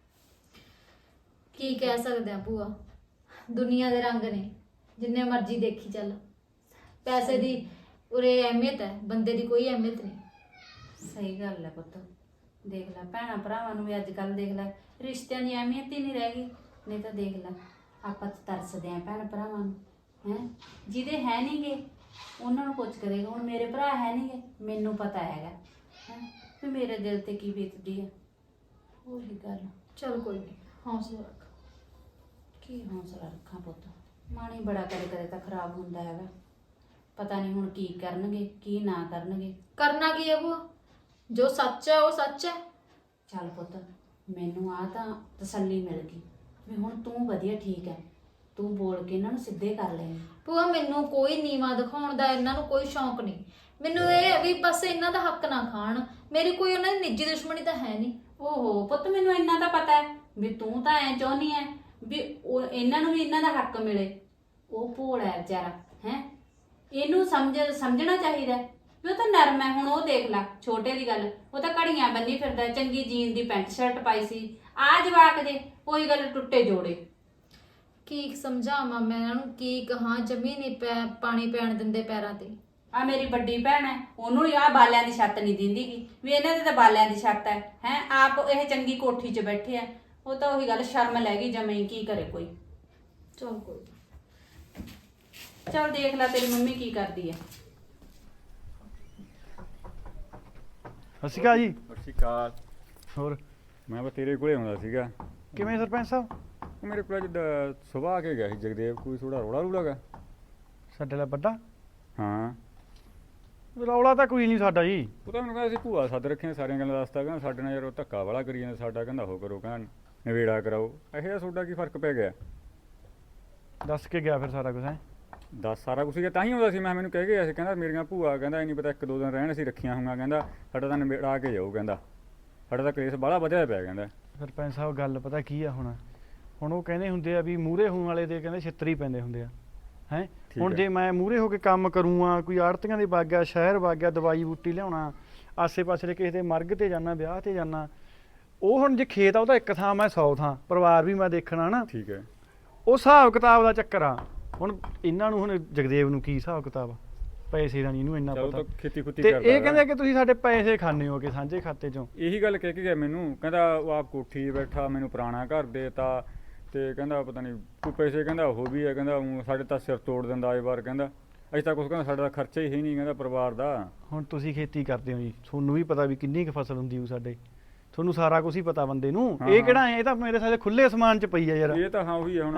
ਕੀ ਕਹਿ ਸਕਦੇ ਆ ਭੂਆ, ਦੁਨੀਆ ਦੇ ਰੰਗ ਨੇ, ਜਿੰਨੇ ਮਰਜ਼ੀ ਦੇਖੀ ਚੱਲ। ਪੈਸੇ ਦੀ ਉਰੇ ਅਹਿਮੀਅਤ ਹੈ, ਬੰਦੇ ਦੀ ਕੋਈ ਅਹਿਮੀਅਤ ਨਹੀਂ।
ਸਹੀ ਗੱਲ ਹੈ ਪੁੱਤ, ਦੇਖ ਲੈ ਭੈਣਾਂ ਭਰਾਵਾਂ ਨੂੰ ਵੀ ਅੱਜ ਕੱਲ ਦੇਖ ਲੈ ਰਿਸ਼ਤਿਆਂ ਦੀ ਅਹਿਮੀਅਤ ਹੀ ਨਹੀਂ ਰਹਿ ਗਈ। ਨਹੀਂ ਤਾਂ ਦੇਖ ਲੈ ਆਪਾਂ ਤਾਂ ਤਰਸਦੇ ਆਂ ਭੈਣ ਭਰਾਵਾਂ ਨੂੰ ਹੈ, ਜਿਹਦੇ ਹੈ ਨਹੀਂਗੇ ਉਹਨਾਂ ਨੂੰ ਪੁੱਛ ਕਰੇਗਾ। ਹੁਣ ਮੇਰੇ ਭਰਾ ਹੈ ਨਹੀਂਗੇ, ਮੈਨੂੰ ਪਤਾ ਹੈਗਾ ਹੈ ਵੀ ਮੇਰੇ ਦਿਲ ਤੇ ਕੀ ਬੀਤਦੀ ਹੈ। ਉਹੀ ਗੱਲ,
ਚੱਲ ਕੋਈ ਨਹੀਂ, ਹੌਸਲਾ ਰੱਖ।
ਕੀ ਹੌਸਲਾ ਰੱਖਾਂ ਪੁੱਤ, ਮਨ ਹੀ ਬੜਾ ਕਦੇ ਕਦੇ ਤਾਂ ਖਰਾਬ ਹੁੰਦਾ ਹੈਗਾ। ਪਤਾ ਨਹੀਂ ਹੁਣ ਕੀ ਕਰਨਗੇ ਕੀ ਨਾ ਕਰਨਗੇ।
ਕਰਨਾ ਕੀ ਹੈ ਭੂਆ, ਜੋ ਸੱਚ ਹੈ ਉਹ ਸੱਚ ਹੈ।
ਚੱਲ ਪੁੱਤ ਮੈਨੂੰ ਆ ਤਾਂ ਤਸੱਲੀ ਮਿਲ ਗਈ ਵੀ ਹੁਣ ਤੂੰ ਵਧੀਆ ਠੀਕ ਹੈ, ਤੂੰ ਬੋਲ ਕੇ ਇਹਨਾਂ ਨੂੰ ਸਿੱਧੇ ਕਰ ਲੈਂਗੀ।
ਭੂਆ ਮੈਨੂੰ ਕੋਈ ਨੀਵਾ ਦਿਖਾਉਣ ਦਾ ਇਹਨਾਂ ਨੂੰ ਕੋਈ ਸ਼ੌਂਕ ਨਹੀਂ, ਮੈਨੂੰ ਇਹ ਹੈ ਵੀ ਬਸ ਇਹਨਾਂ ਦਾ ਹੱਕ ਨਾ ਖਾਣ, ਮੇਰੀ ਕੋਈ ਉਹਨਾਂ ਦੀ ਨਿੱਜੀ ਦੁਸ਼ਮਣੀ ਤਾਂ ਹੈ ਨਹੀਂ।
ਓਹੋ ਪੁੱਤ ਮੈਨੂੰ ਇੰਨਾ ਤਾਂ ਪਤਾ ਹੈ ਵੀ ਤੂੰ ਤਾਂ ਐ ਚਾਹੁੰਦੀ ਐ ਵੀ ਉਹ ਇਹਨਾਂ ਨੂੰ ਵੀ ਇਹਨਾਂ ਦਾ ਹੱਕ ਮਿਲੇ। ਉਹ ਭੋਲਾ ਹੈ ਵਿਚਾਰਾ ਹੈ, ਇਹਨੂੰ ਸਮਝਣਾ ਚਾਹੀਦਾ ਵੀ ਉਹ ਤਾਂ ਨਰਮ ਹੈ। ਹੁਣ ਉਹ ਦੇਖ ਲੈ ਛੋਟੇ ਦੀ ਗੱਲ, ਉਹ ਤਾਂ ਘੜੀਆਂ ਬੰਨੀ ਫਿਰਦਾ, ਚੰਗੀ ਜੀਨ ਦੀ ਪੈਂਟ ਸ਼ਰਟ ਪਾਈ ਸੀ। ਆ ਜਵਾਕ ਦੇ ਉਹੀ ਗੱਲ ਟੁੱਟੇ ਜੋੜੇ।
ਕੀ ਸਮਝਾਵਾਂ ਮੈਂ ਇਹਨਾਂ ਨੂੰ, ਕੀ ਕਹਾਂ, ਜਮੀ ਨਹੀਂ ਪਾਣੀ ਪੈਣ ਦਿੰਦੇ ਪੈਰਾਂ ਤੇ।
ਆ ਮੇਰੀ ਵੱਡੀ ਭੈਣ ਹੈ, ਉਹਨੂੰ ਆ ਬਾਲਿਆਂ ਦੀ ਛੱਤ ਨਹੀਂ ਦਿੰਦੀਗੀ ਵੀ ਇਹਨਾਂ ਦੇ ਤਾਂ ਬਾਲਿਆਂ ਦੀ ਛੱਤ ਹੈ ਹੈ, ਆਪ ਇਹ ਚੰਗੀ ਕੋਠੀ 'ਚ ਬੈਠੇ ਆ। ਉਹ ਤਾਂ ਉਹੀ ਗੱਲ ਸ਼ਰਮ ਲੈ ਗਈ ਜਮੇ, ਕੀ ਕਰੇ ਕੋਈ।
ਚਲ ਕੋਈ ਨਾ।
ਚੱਲ ਦੇਖ ਲੈ ਤੇਰੀ ਮੰਮੀ ਕੀ ਕਰਦੀ ਹੈ।
ਸਤਿ ਸ਼੍ਰੀ ਅਕਾਲ ਜੀ।
ਸਤਿ ਸ਼੍ਰੀ ਅਕਾਲ।
ਹੋਰ
ਮੈਂ ਬਸ ਤੇਰੇ ਕੋਲੇ ਆਉਂਦਾ ਸੀਗਾ।
ਕਿਵੇਂ ਸਰਪੰਚ ਸਾਹਿਬ?
ਉਹ ਮੇਰੇ ਕੋਲ ਅੱਜ ਸੁਬਾਹ ਆ ਕੇ ਗਿਆ ਸੀ ਜਗਦੇਵ, ਕੋਈ ਥੋੜਾ ਰੌਲਾ ਰੂਲਾ ਗਾ।
ਸਾਡੇ ਲਈ ਵੱਡਾ
ਹਾਂ
ਰੌਲਾ ਤਾਂ ਕੋਈ ਨਹੀਂ ਸਾਡਾ ਜੀ।
ਉਹ ਤਾਂ ਮੈਨੂੰ ਕਹਿੰਦਾ ਸੀ ਭੂਆ ਸੱਦ ਰੱਖੀਆਂ, ਸਾਰੀਆਂ ਗੱਲਾਂ ਦੱਸਦਾ, ਕਹਿੰਦਾ ਸਾਡੇ ਨਾਲ ਯਾਰ ਉਹ ਧੱਕਾ ਵਾਲਾ ਕਰੀ ਜਾਂਦਾ ਸਾਡਾ, ਕਹਿੰਦਾ ਉਹ ਕਰੋ, ਕਹਿੰਦਾ ਨਵੇੜਾ ਕਰਾਓ। ਇਹੋ ਜਿਹਾ ਤੁਹਾਡਾ ਕੀ ਫਰਕ ਪੈ ਗਿਆ?
ਦੱਸ ਕੇ ਗਿਆ ਫਿਰ ਸਾਰਾ ਕੁਝ ਹੈ?
ਦੱਸ ਸਾਰਾ ਕੁਛ ਹੀ ਤਾਂ ਹੀ ਆਉਂਦਾ ਸੀ ਮੈਂ, ਮੈਨੂੰ ਕਹਿ ਗਿਆ ਸੀ, ਕਹਿੰਦਾ ਮੇਰੀਆਂ ਭੂਆ ਕਹਿੰਦਾ ਇਹ ਨਹੀਂ ਪਤਾ 1-2 ਦਿਨ ਰਹਿਣ ਅਸੀਂ ਰੱਖੀਆਂ ਹੋਊਗਾ, ਕਹਿੰਦਾ ਸਾਡਾ ਤਾਂ ਨਵੇੜਾ ਆ ਕੇ ਜਾਊ, ਕਹਿੰਦਾ ਸਾਡਾ ਤਾਂ ਕਲੇਸ਼ ਬਾਹਲਾ ਵਧਿਆ ਪਿਆ। ਕਹਿੰਦਾ
ਸਰਪੰਚ ਸਾਹਿਬ ਗੱਲ ਪਤਾ ਕੀ ਆ, ਹੁਣ ਉਹ ਕਹਿੰਦੇ ਹੁੰਦੇ ਆ ਵੀ ਮੂਹਰੇ ਹੋਣ ਵਾਲੇ ਦੇ ਕਹਿੰਦੇ ਛਿੱਤਰ ਹੀ ਪੈਂਦੇ ਹੁੰਦੇ ਆ ਹੈ। ਹੁਣ ਜੇ ਮੈਂ ਮੂਹਰੇ ਹੋ ਕੇ ਕੰਮ ਕਰੂੰਗਾ, ਕੋਈ ਆੜਤੀਆਂ ਦੇ ਵਗ ਗਿਆ, ਸ਼ਹਿਰ ਵਗ ਗਿਆ, ਦਵਾਈ ਬੂਟੀ ਲਿਆਉਣਾ, ਆਸੇ ਪਾਸੇ ਦੇ ਕਿਸੇ ਦੇ ਮਰਗ ਤੇ ਜਾਣਾ, ਵਿਆਹ ਤੇ ਜਾਣਾ, ਉਹ ਹੁਣ ਜੇ ਖੇਤ ਆ ਉਹਦਾ ਇੱਕ ਥਾਂ, ਮੈਂ 100 ਥਾਂ, ਪਰਿਵਾਰ ਵੀ ਮੈਂ ਦੇਖਣਾ ਨਾ।
ਠੀਕ ਹੈ,
ਉਹ ਹਿਸਾਬ ਕਿਤਾਬ ਦਾ ਚੱਕਰ ਆ। ਹੁਣ ਇਹਨਾਂ ਨੂੰ, ਹੁਣ ਜਗਦੇਵ ਨੂੰ ਕੀ ਹਿਸਾਬ ਕਿਤਾਬ, ਪੈਸੇ ਦਾ ਨਹੀਂ ਇਹਨੂੰ ਇੰਨਾ
ਚਲੋ
ਪਤਾ।
ਤਾਂ ਖੇਤੀ ਖੁੱਤੀ
ਤੇ
ਕਰਦਾ
ਇਹ ਕਹਿੰਦੇ ਕਿ ਤੁਸੀਂ ਸਾਡੇ ਪੈਸੇ ਖਾਣੇ ਹੋ ਕੇ ਸਾਂਝੇ ਖਾਤੇ ਚੋਂ।
ਇਹੀ ਗੱਲ ਕਹਿ ਕੇ ਗਿਆ ਮੈਨੂੰ, ਕਹਿੰਦਾ ਉਹ ਆਪ ਕੋਠੀ 'ਚ ਬੈਠਾ, ਮੈਨੂੰ ਪੁਰਾਣਾ ਘਰ ਦੇਤਾ, ਤੇ ਕਹਿੰਦਾ ਪਤਾ ਨਹੀਂ ਕੋਈ ਪੈਸੇ ਕਹਿੰਦਾ ਉਹ ਵੀ ਹੈ, ਕਹਿੰਦਾ ਊਂ ਸਾਡੇ ਤਾਂ ਸਿਰ ਤੋੜ ਦਿੰਦਾ ਆਏ ਵਾਰ, ਕਹਿੰਦਾ ਅਸੀਂ ਤਾਂ ਕੁਛ, ਕਹਿੰਦਾ ਸਾਡਾ ਤਾਂ ਖਰਚਾ ਹੀ ਹੈ ਨਹੀਂ, ਕਹਿੰਦਾ ਪਰਿਵਾਰ ਦਾ।
ਹੁਣ ਤੁਸੀਂ ਖੇਤੀ ਕਰਦੇ ਹੋ ਜੀ, ਤੁਹਾਨੂੰ ਵੀ ਪਤਾ ਵੀ ਕਿੰਨੀ ਕੁ ਫਸਲ ਹੁੰਦੀ ਉਹ ਸਾਡੇ, ਤੁਹਾਨੂੰ ਸਾਰਾ ਕੁਝ ਹੀ ਪਤਾ ਬੰਦੇ ਨੂੰ।
ਹਾਂ,
ਇਹ ਕਿਹੜਾ ਇਹ ਤਾਂ ਮੇਰੇ ਸਾਲੇ ਖੁੱਲੇ ਅਸਮਾਨ 'ਚ ਪਈ ਆ ਯਾਰ।
ਇਹ ਤਾਂ ਹਾਂ ਉਹੀ ਹੈ ਹੁਣ
ਹੈਂ?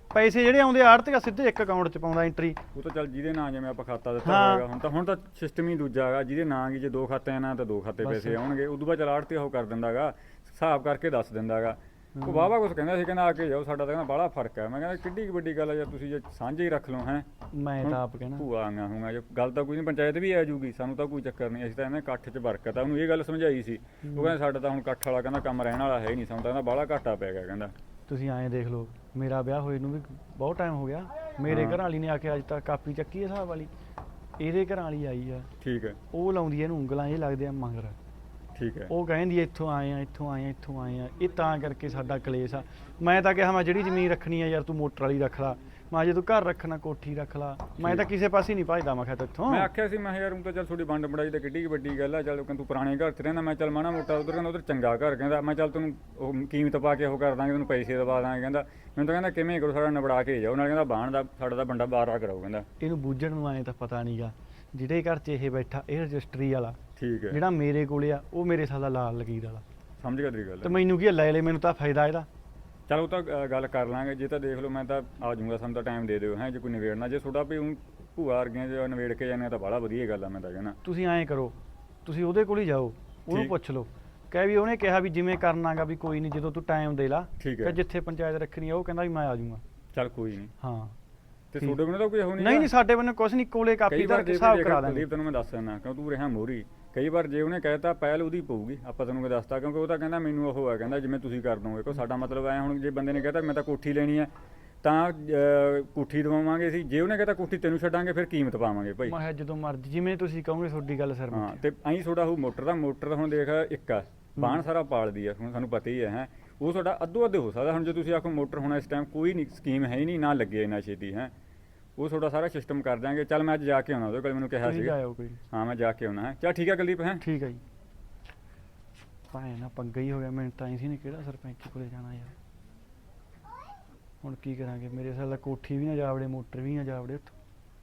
ਪੈਸੇ ਜਿਹੜੇ ਆਉਂਦੇ ਆੜਤੀਆ ਸਿੱਧੇ ਇੱਕ ਅਕਾਊਂਟ 'ਚ ਪਾਉਂਦਾ ਐਂਟਰੀ।
ਉਹ ਤਾਂ ਚੱਲ ਜਿਹਦੇ ਨਾਂ ਜਿਵੇਂ ਆਪਾਂ ਖਾਤਾ ਦਿੱਤਾ
ਹਾਂ।
ਹੋਏਗਾ ਹੁਣ ਤਾਂ ਸਿਸਟਮ ਹੀ ਦੂਜਾ ਹੈਗਾ, ਜਿਹਦੇ ਨਾਂ ਕੀ ਜੇ 2 ਖਾਤਿਆਂ ਨਾਲ ਤਾਂ 2 ਖਾਤੇ ਪੈਸੇ ਆਉਣਗੇ, ਉਦੋਂ ਬਾਅਦ ਚੱਲ ਆੜਤੀ ਉਹ ਕਰ ਦਿੰਦਾਗਾ, ਹਿਸਾਬ ਕਰਕੇ ਦੱਸ ਦਿੰਦਾਗਾ। ਉਹ ਵਾਹਵਾ ਕੁਛ ਕਹਿੰਦਾ ਸੀ, ਕਹਿੰਦਾ ਆ ਕੇ ਜਾਓ, ਸਾਡਾ ਤਾਂ ਕਹਿੰਦਾ ਬਾਹਲਾ ਫਰਕ ਹੈ। ਮੈਂ ਕਹਿੰਦਾ ਕਿੱਡੀ ਕੁ ਵੱਡੀ ਗੱਲ ਹੈ ਯਾਰ, ਤੁਸੀਂ ਜੇ ਸਾਂਝੇ ਹੀ ਰੱਖ ਲਓ ਹੈ।
ਮੈਂ ਤਾਂ ਆਪ ਕਹਿਣਾ
ਭੂਆ ਆਂਗਾ ਹੂੰਗਾ, ਜੇ ਗੱਲ ਤਾਂ ਕੋਈ ਨਹੀਂ, ਪੰਚਾਇਤ ਵੀ ਆ ਜੂਗੀ, ਸਾਨੂੰ ਤਾਂ ਕੋਈ ਚੱਕਰ ਨਹੀਂ, ਅਸੀਂ ਤਾਂ ਇਹਨਾਂ ਇਕੱਠ 'ਚ ਬਰਕਤ ਆ। ਉਹਨੂੰ ਇਹ ਗੱਲ ਸਮਝਾਈ ਸੀ, ਉਹ ਕਹਿੰਦਾ ਸਾਡਾ ਤਾਂ ਹੁਣ ਇਕੱਠ ਵਾਲਾ ਕਹਿੰਦਾ ਕੰਮ ਰਹਿਣ ਵਾਲਾ ਹੈ ਹੀ ਨਹੀਂ, ਸਾਨੂੰ ਤਾਂ ਕਹਿੰਦਾ ਬਾਹਲਾ ਘਾਟਾ ਪੈ ਗਿਆ ਕਹਿੰਦਾ।
ਤੁਸੀਂ ਐਂ ਦੇਖ ਲਓ, ਮੇਰਾ ਵਿਆਹ ਹੋਏ ਨੂੰ ਵੀ ਬਹੁਤ ਟਾਈਮ ਹੋ ਗਿਆ, ਮੇਰੇ ਘਰ ਵਾਲੀ ਨੇ ਆ ਕੇ ਅੱਜ ਤੱਕ ਕਾਪੀ ਚੱਕੀ ਹੈ ਹਿਸਾਬ ਵਾਲੀ, ਇਹਦੇ ਘਰ ਵਾਲੀ ਆਈ ਆ,
ਠੀਕ ਹੈ
ਉਹ ਲਾਉਂਦੀ ਇਹਨੂੰ ਉਂਗਲਾਂ, ਇਹ ਲੱਗਦੇ ਆ ਮਗਰ।
ਠੀਕ ਹੈ
ਉਹ ਕਹਿੰਦੀ ਇੱਥੋਂ ਆਏ ਆ, ਇੱਥੋਂ ਆਏ ਆ, ਇੱਥੋਂ ਆਏ ਆ, ਇਹ ਤਾਂ ਕਰਕੇ ਸਾਡਾ ਕਲੇਸ਼ ਆ। ਮੈਂ ਤਾਂ ਕਿਹਾ ਮੈਂ ਜਿਹੜੀ ਜ਼ਮੀਨ ਰੱਖਣੀ ਆ ਯਾਰ ਤੂੰ ਮੋਟਰ ਵਾਲੀ ਰੱਖ ਲਾ, ਮੈਂ ਜੇ ਤੂੰ ਘਰ ਰੱਖਣਾ ਕੋਠੀ ਰੱਖ ਲਾ, ਮੈਂ ਤਾਂ ਕਿਸੇ ਪਾਸੇ ਨਹੀਂ ਭਜਦਾ। ਮੈਂ ਕਿਹਾ ਤੇਥੋਂ
ਮੈਂ ਆਖਿਆ ਸੀ, ਮੈਂ ਕਿਹਾ ਯਾਰ ਹੁਣ ਤਾਂ ਚੱਲ ਤੁਹਾਡੀ ਵੰਡ ਵੰਡਾਈ ਤਾਂ ਕਿੱਡੀ ਕੁ ਵੱਡੀ ਗੱਲ ਆ, ਚੱਲ ਕਹਿੰਦਾ ਤੂੰ ਪੁਰਾਣੇ ਘਰ 'ਚ ਰਹਿੰਦਾ, ਮੈਂ ਚੱਲ ਮਾੜਾ ਮੋਟਾ ਉਧਰ ਕਹਿੰਦਾ ਉਧਰ ਚੰਗਾ ਘਰ, ਕਹਿੰਦਾ ਮੈਂ ਚੱਲ ਤੈਨੂੰ ਉਹ ਕੀਮਤ ਪਾ ਕੇ ਉਹ ਕਰ ਦਾਂਗੇ, ਤੈਨੂੰ ਪੈਸੇ ਦਵਾ ਦਾਂਗੇ। ਕਹਿੰਦਾ ਮੈਨੂੰ ਤਾਂ ਕਹਿੰਦਾ ਕਿਵੇਂ ਕਰੋ, ਸਾਡਾ ਨਿਬੜਾ ਕੇ ਜਾਓ, ਨਾਲ ਕਹਿੰਦਾ ਬਾਣ ਦਾ ਸਾਡਾ ਤਾਂ ਬੰਦਾ ਬਾਰਾ ਕਰਾਓ ਕਹਿੰਦਾ।
ਇਹਨੂੰ ਬੂਝਣ ਨੂੰ ਆਏ ਤਾਂ ਪਤਾ ਨਹੀਂਗਾ, ਜਿਹੜੇ ਘਰ 'ਚ ਇਹ ਬੈਠਾ ਇਹ ਰਜਿਸਟਰੀ ਵਾਲਾ,
ਠੀਕ ਹੈ
ਜਿਹੜਾ ਮੇਰੇ ਕੋਲੇ ਆ ਉਹ ਮੇਰੇ ਸਾਲਾ ਲਾਲ ਲਕੀਰ ਵਾਲਾ,
ਸਮਝ ਗਿਆ ਤੇਰੀ ਗੱਲ।
ਤੇ ਮੈਨੂੰ ਕੀ ਆ, ਲੈ ਲੈ, ਮੈਨੂੰ ਤਾਂ ਫਾਇਦਾ ਇਹਦਾ।
ਚਲ ਉਹ ਤਾਂ ਗੱਲ ਕਰ ਲਾਂਗੇ, ਜੇ ਤਾਂ ਦੇਖ ਲਓ ਮੈਂ ਤਾਂ ਆ ਜਾਊਂਗਾ, ਸਾਨੂੰ ਤਾਂ ਟਾਈਮ ਦੇ ਦਿਓ ਹੈ, ਜੇ ਕੋਈ ਨਿਬੇੜਨਾ, ਜੇ ਤੁਹਾਡਾ ਵੀ ਊਂ ਭੂਆ ਵਰਗੀਆਂ ਜੇ ਨਿਬੇੜ ਕੇ ਜਾਂਦੇ ਤਾਂ ਬੜਾ ਵਧੀਆ ਗੱਲ ਆ। ਮੈਂ ਤਾਂ ਕਹਿੰਦਾ
ਤੁਸੀਂ ਐਂ ਕਰੋ, ਤੁਸੀਂ ਉਹਦੇ ਕੋਲ ਹੀ ਜਾਓ, ਉਹਨੂੰ
ਠੀਕ।
ਪੁੱਛ ਲਓ, ਕਹਿ ਵੀ ਉਹਨੇ ਕਿਹਾ ਵੀ ਜਿਵੇਂ ਕਰਨਾਗਾ ਵੀ ਕੋਈ ਨਹੀਂ, ਜਦੋਂ ਤੂੰ ਟਾਈਮ ਦੇ ਲਾ,
ਠੀਕ ਹੈ।
ਕਿ ਜਿੱਥੇ ਪੰਚਾਇਤ ਰੱਖਣੀ ਆ ਉਹ ਕਹਿੰਦਾ ਵੀ ਮੈਂ ਆ ਜਾਊਂਗਾ।
ਚੱਲ ਕੋਈ ਨਹੀਂ,
ਹਾਂ
ਤੇ ਤੁਹਾਡੇ ਕੋਲ ਤਾਂ ਕੋਈ ਹੋ
ਨਹੀਂ ਨਹੀਂ, ਸਾਡੇ ਬੰਨੇ ਕੁਛ ਨਹੀਂ, ਕੋਲੇ ਕਾਪੀ
ਕਈ
ਦਾ
ਵਾਰ ਜੇ
ਹਿਸਾਬ
ਦੇਖ
ਕਰਾ
ਕੁਲਦੀਪ
ਦਾਂਗੇ।
ਤੈਨੂੰ ਮੈਂ ਦੱਸ ਦਿੰਦਾ, ਕਿਉਂ ਤੂੰ ਰਿਹਾ ਮੋਰੀ, ਕਈ ਵਾਰ ਜੇ ਉਹਨੇ ਕਹਿਤਾ ਪਹਿਲ ਉਹਦੀ ਪਊਗੀ, ਆਪਾਂ ਤੈਨੂੰ ਕੋਈ ਦੱਸਤਾ, ਕਿਉਂਕਿ ਉਹ ਤਾਂ ਕਹਿੰਦਾ ਮੈਨੂੰ ਉਹ ਹੈ, ਕਹਿੰਦਾ ਜਿਵੇਂ ਤੁਸੀਂ ਕਰ ਦੋਗੇ। ਕੋ ਸਾਡਾ ਮਤਲਬ ਐ, ਹੁਣ ਜੇ ਬੰਦੇ ਨੇ ਕਹਿਤਾ ਮੈਂ ਤਾਂ ਕੋਠੀ ਲੈਣੀ ਹੈ ਤਾਂ ਕੋਠੀ ਦਵਾਵਾਂਗੇ ਅਸੀਂ, ਜੇ ਉਹਨੇ ਕਹਿਤਾ ਕੋਠੀ ਤੈਨੂੰ ਛੱਡਾਂਗੇ ਫਿਰ ਕੀਮਤ ਪਾਵਾਂਗੇ ਭਾਈ।
ਮੈਂ ਕਿਹਾ ਜਦੋਂ ਮਰਜ਼ੀ ਜਿਵੇਂ ਤੁਸੀਂ ਕਹੋਗੇ, ਤੁਹਾਡੀ ਗੱਲ ਸਰ।
ਹਾਂ, ਤੇ ਐਂ ਤੁਹਾਡਾ ਉਹ ਮੋਟਰ ਦਾ ਹੁਣ ਦੇਖ ਇੱਕ ਆ ਬਾਣ ਸਾਰਾ ਪਾਲਦੀ ਆ, ਹੁਣ ਸਾਨੂੰ ਪਤਾ ਹੀ ਹੈ ਉਹ ਤੁਹਾਡਾ ਅੱਧੋ ਅੱਧ ਹੋ ਸਕਦਾ। ਹੁਣ ਜੇ ਤੁਸੀਂ ਆਖੋ ਮੋਟਰ ਹੁਣ ਇਸ ਟਾਈਮ ਕੋਈ ਨਹੀਂ ਸਕੀਮ ਹੈ ਹੀ ਨਹੀਂ, ਨਾ ਲੱਗੇ ਇੰਨਾ ਛੇਤੀ ਹੈ, ਉਹ ਤੁਹਾਡਾ ਸਾਰਾ ਸਿਸਟਮ ਕਰ ਦਿਆਂਗੇ। ਚੱਲ ਮੈਂ ਅੱਜ ਜਾ ਕੇ ਆਉਣਾ, ਉਹਦੇ ਕੋਲ ਮੈਨੂੰ ਕਿਹਾ ਸੀ।
ਆਇਓ ਕੋਈ।
ਹਾਂ ਮੈਂ ਜਾ ਕੇ ਆਉਣਾ ਹੈ। ਚੱਲ ਠੀਕ ਹੈ ਕੁਲਦੀਪ ਹੈ।
ਠੀਕ ਹੈ ਜੀ। ਭਾਵੇਂ ਨਾ ਪੰਗਾ ਹੀ ਹੋ ਗਿਆ, ਮੈਨੂੰ ਤਾਂ ਐਂ ਸੀ ਨੇ ਕਿਹੜਾ ਸਰਪੰਚ ਕੋਲੇ ਜਾਣਾ ਯਾਰ, ਹੁਣ ਕੀ ਕਰਾਂਗੇ, ਮੇਰੇ ਸਾਲ ਕੋਠੀ ਵੀ ਨਾ ਜਾਵੜੇ, ਮੋਟਰ ਵੀ ਨਾ ਜਾਵੜੇ ਉੱਥੋਂ।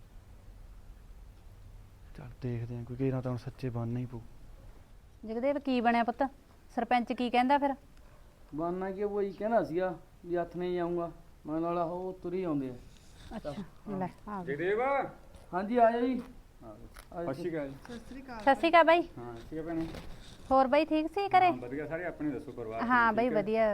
ਚੱਲ ਦੇਖਦੇ ਆਂ, ਕੋਈ ਕਿਹੜਾ ਤਾਂ ਹੁਣ ਸੱਚੇ ਬਣਨਾ ਹੀ ਪਊ।
ਜਗਦੇਵ ਕੀ ਬਣਿਆ ਪੁੱਤ, ਸਰਪੰਚ ਕੀ ਕਹਿੰਦਾ ਫਿਰ?
ਬਾਨਾ ਕੀ ਉਹ ਹੀ ਕਹਿਣਾ ਸੀਗਾ ਵੀ ਹੱਥ ਨਹੀਂ ਆਉਂਗਾ, ਮੈਂ ਨਾਲ ਉਹ ਤੁਰੀ ਆਉਂਦੇ ਆ।
ਅੱਛਾ ਲੈ ਆ ਗਏ।
ਜਗਦੇਵ
ਹਾਂਜੀ ਆ ਜਾਓ ਜੀ।
ਅੱਛੀ ਗੱਲ।
ਸਤਿ ਸ਼੍ਰੀ ਅਕਾਲ ਬਾਈ।
ਹਾਂ ਠੀਕ ਹੈ ਭੈਣੇ।
ਹੋਰ ਬਾਈ ਠੀਕ ਸੀ ਘਰੇ?
ਹਾਂ, ਵਧੀਆ ਸਾਰੇ, ਆਪਣੇ ਦੱਸੋ ਪਰਿਵਾਰ?
ਹਾਂ ਬਾਈ ਵਧੀਆ।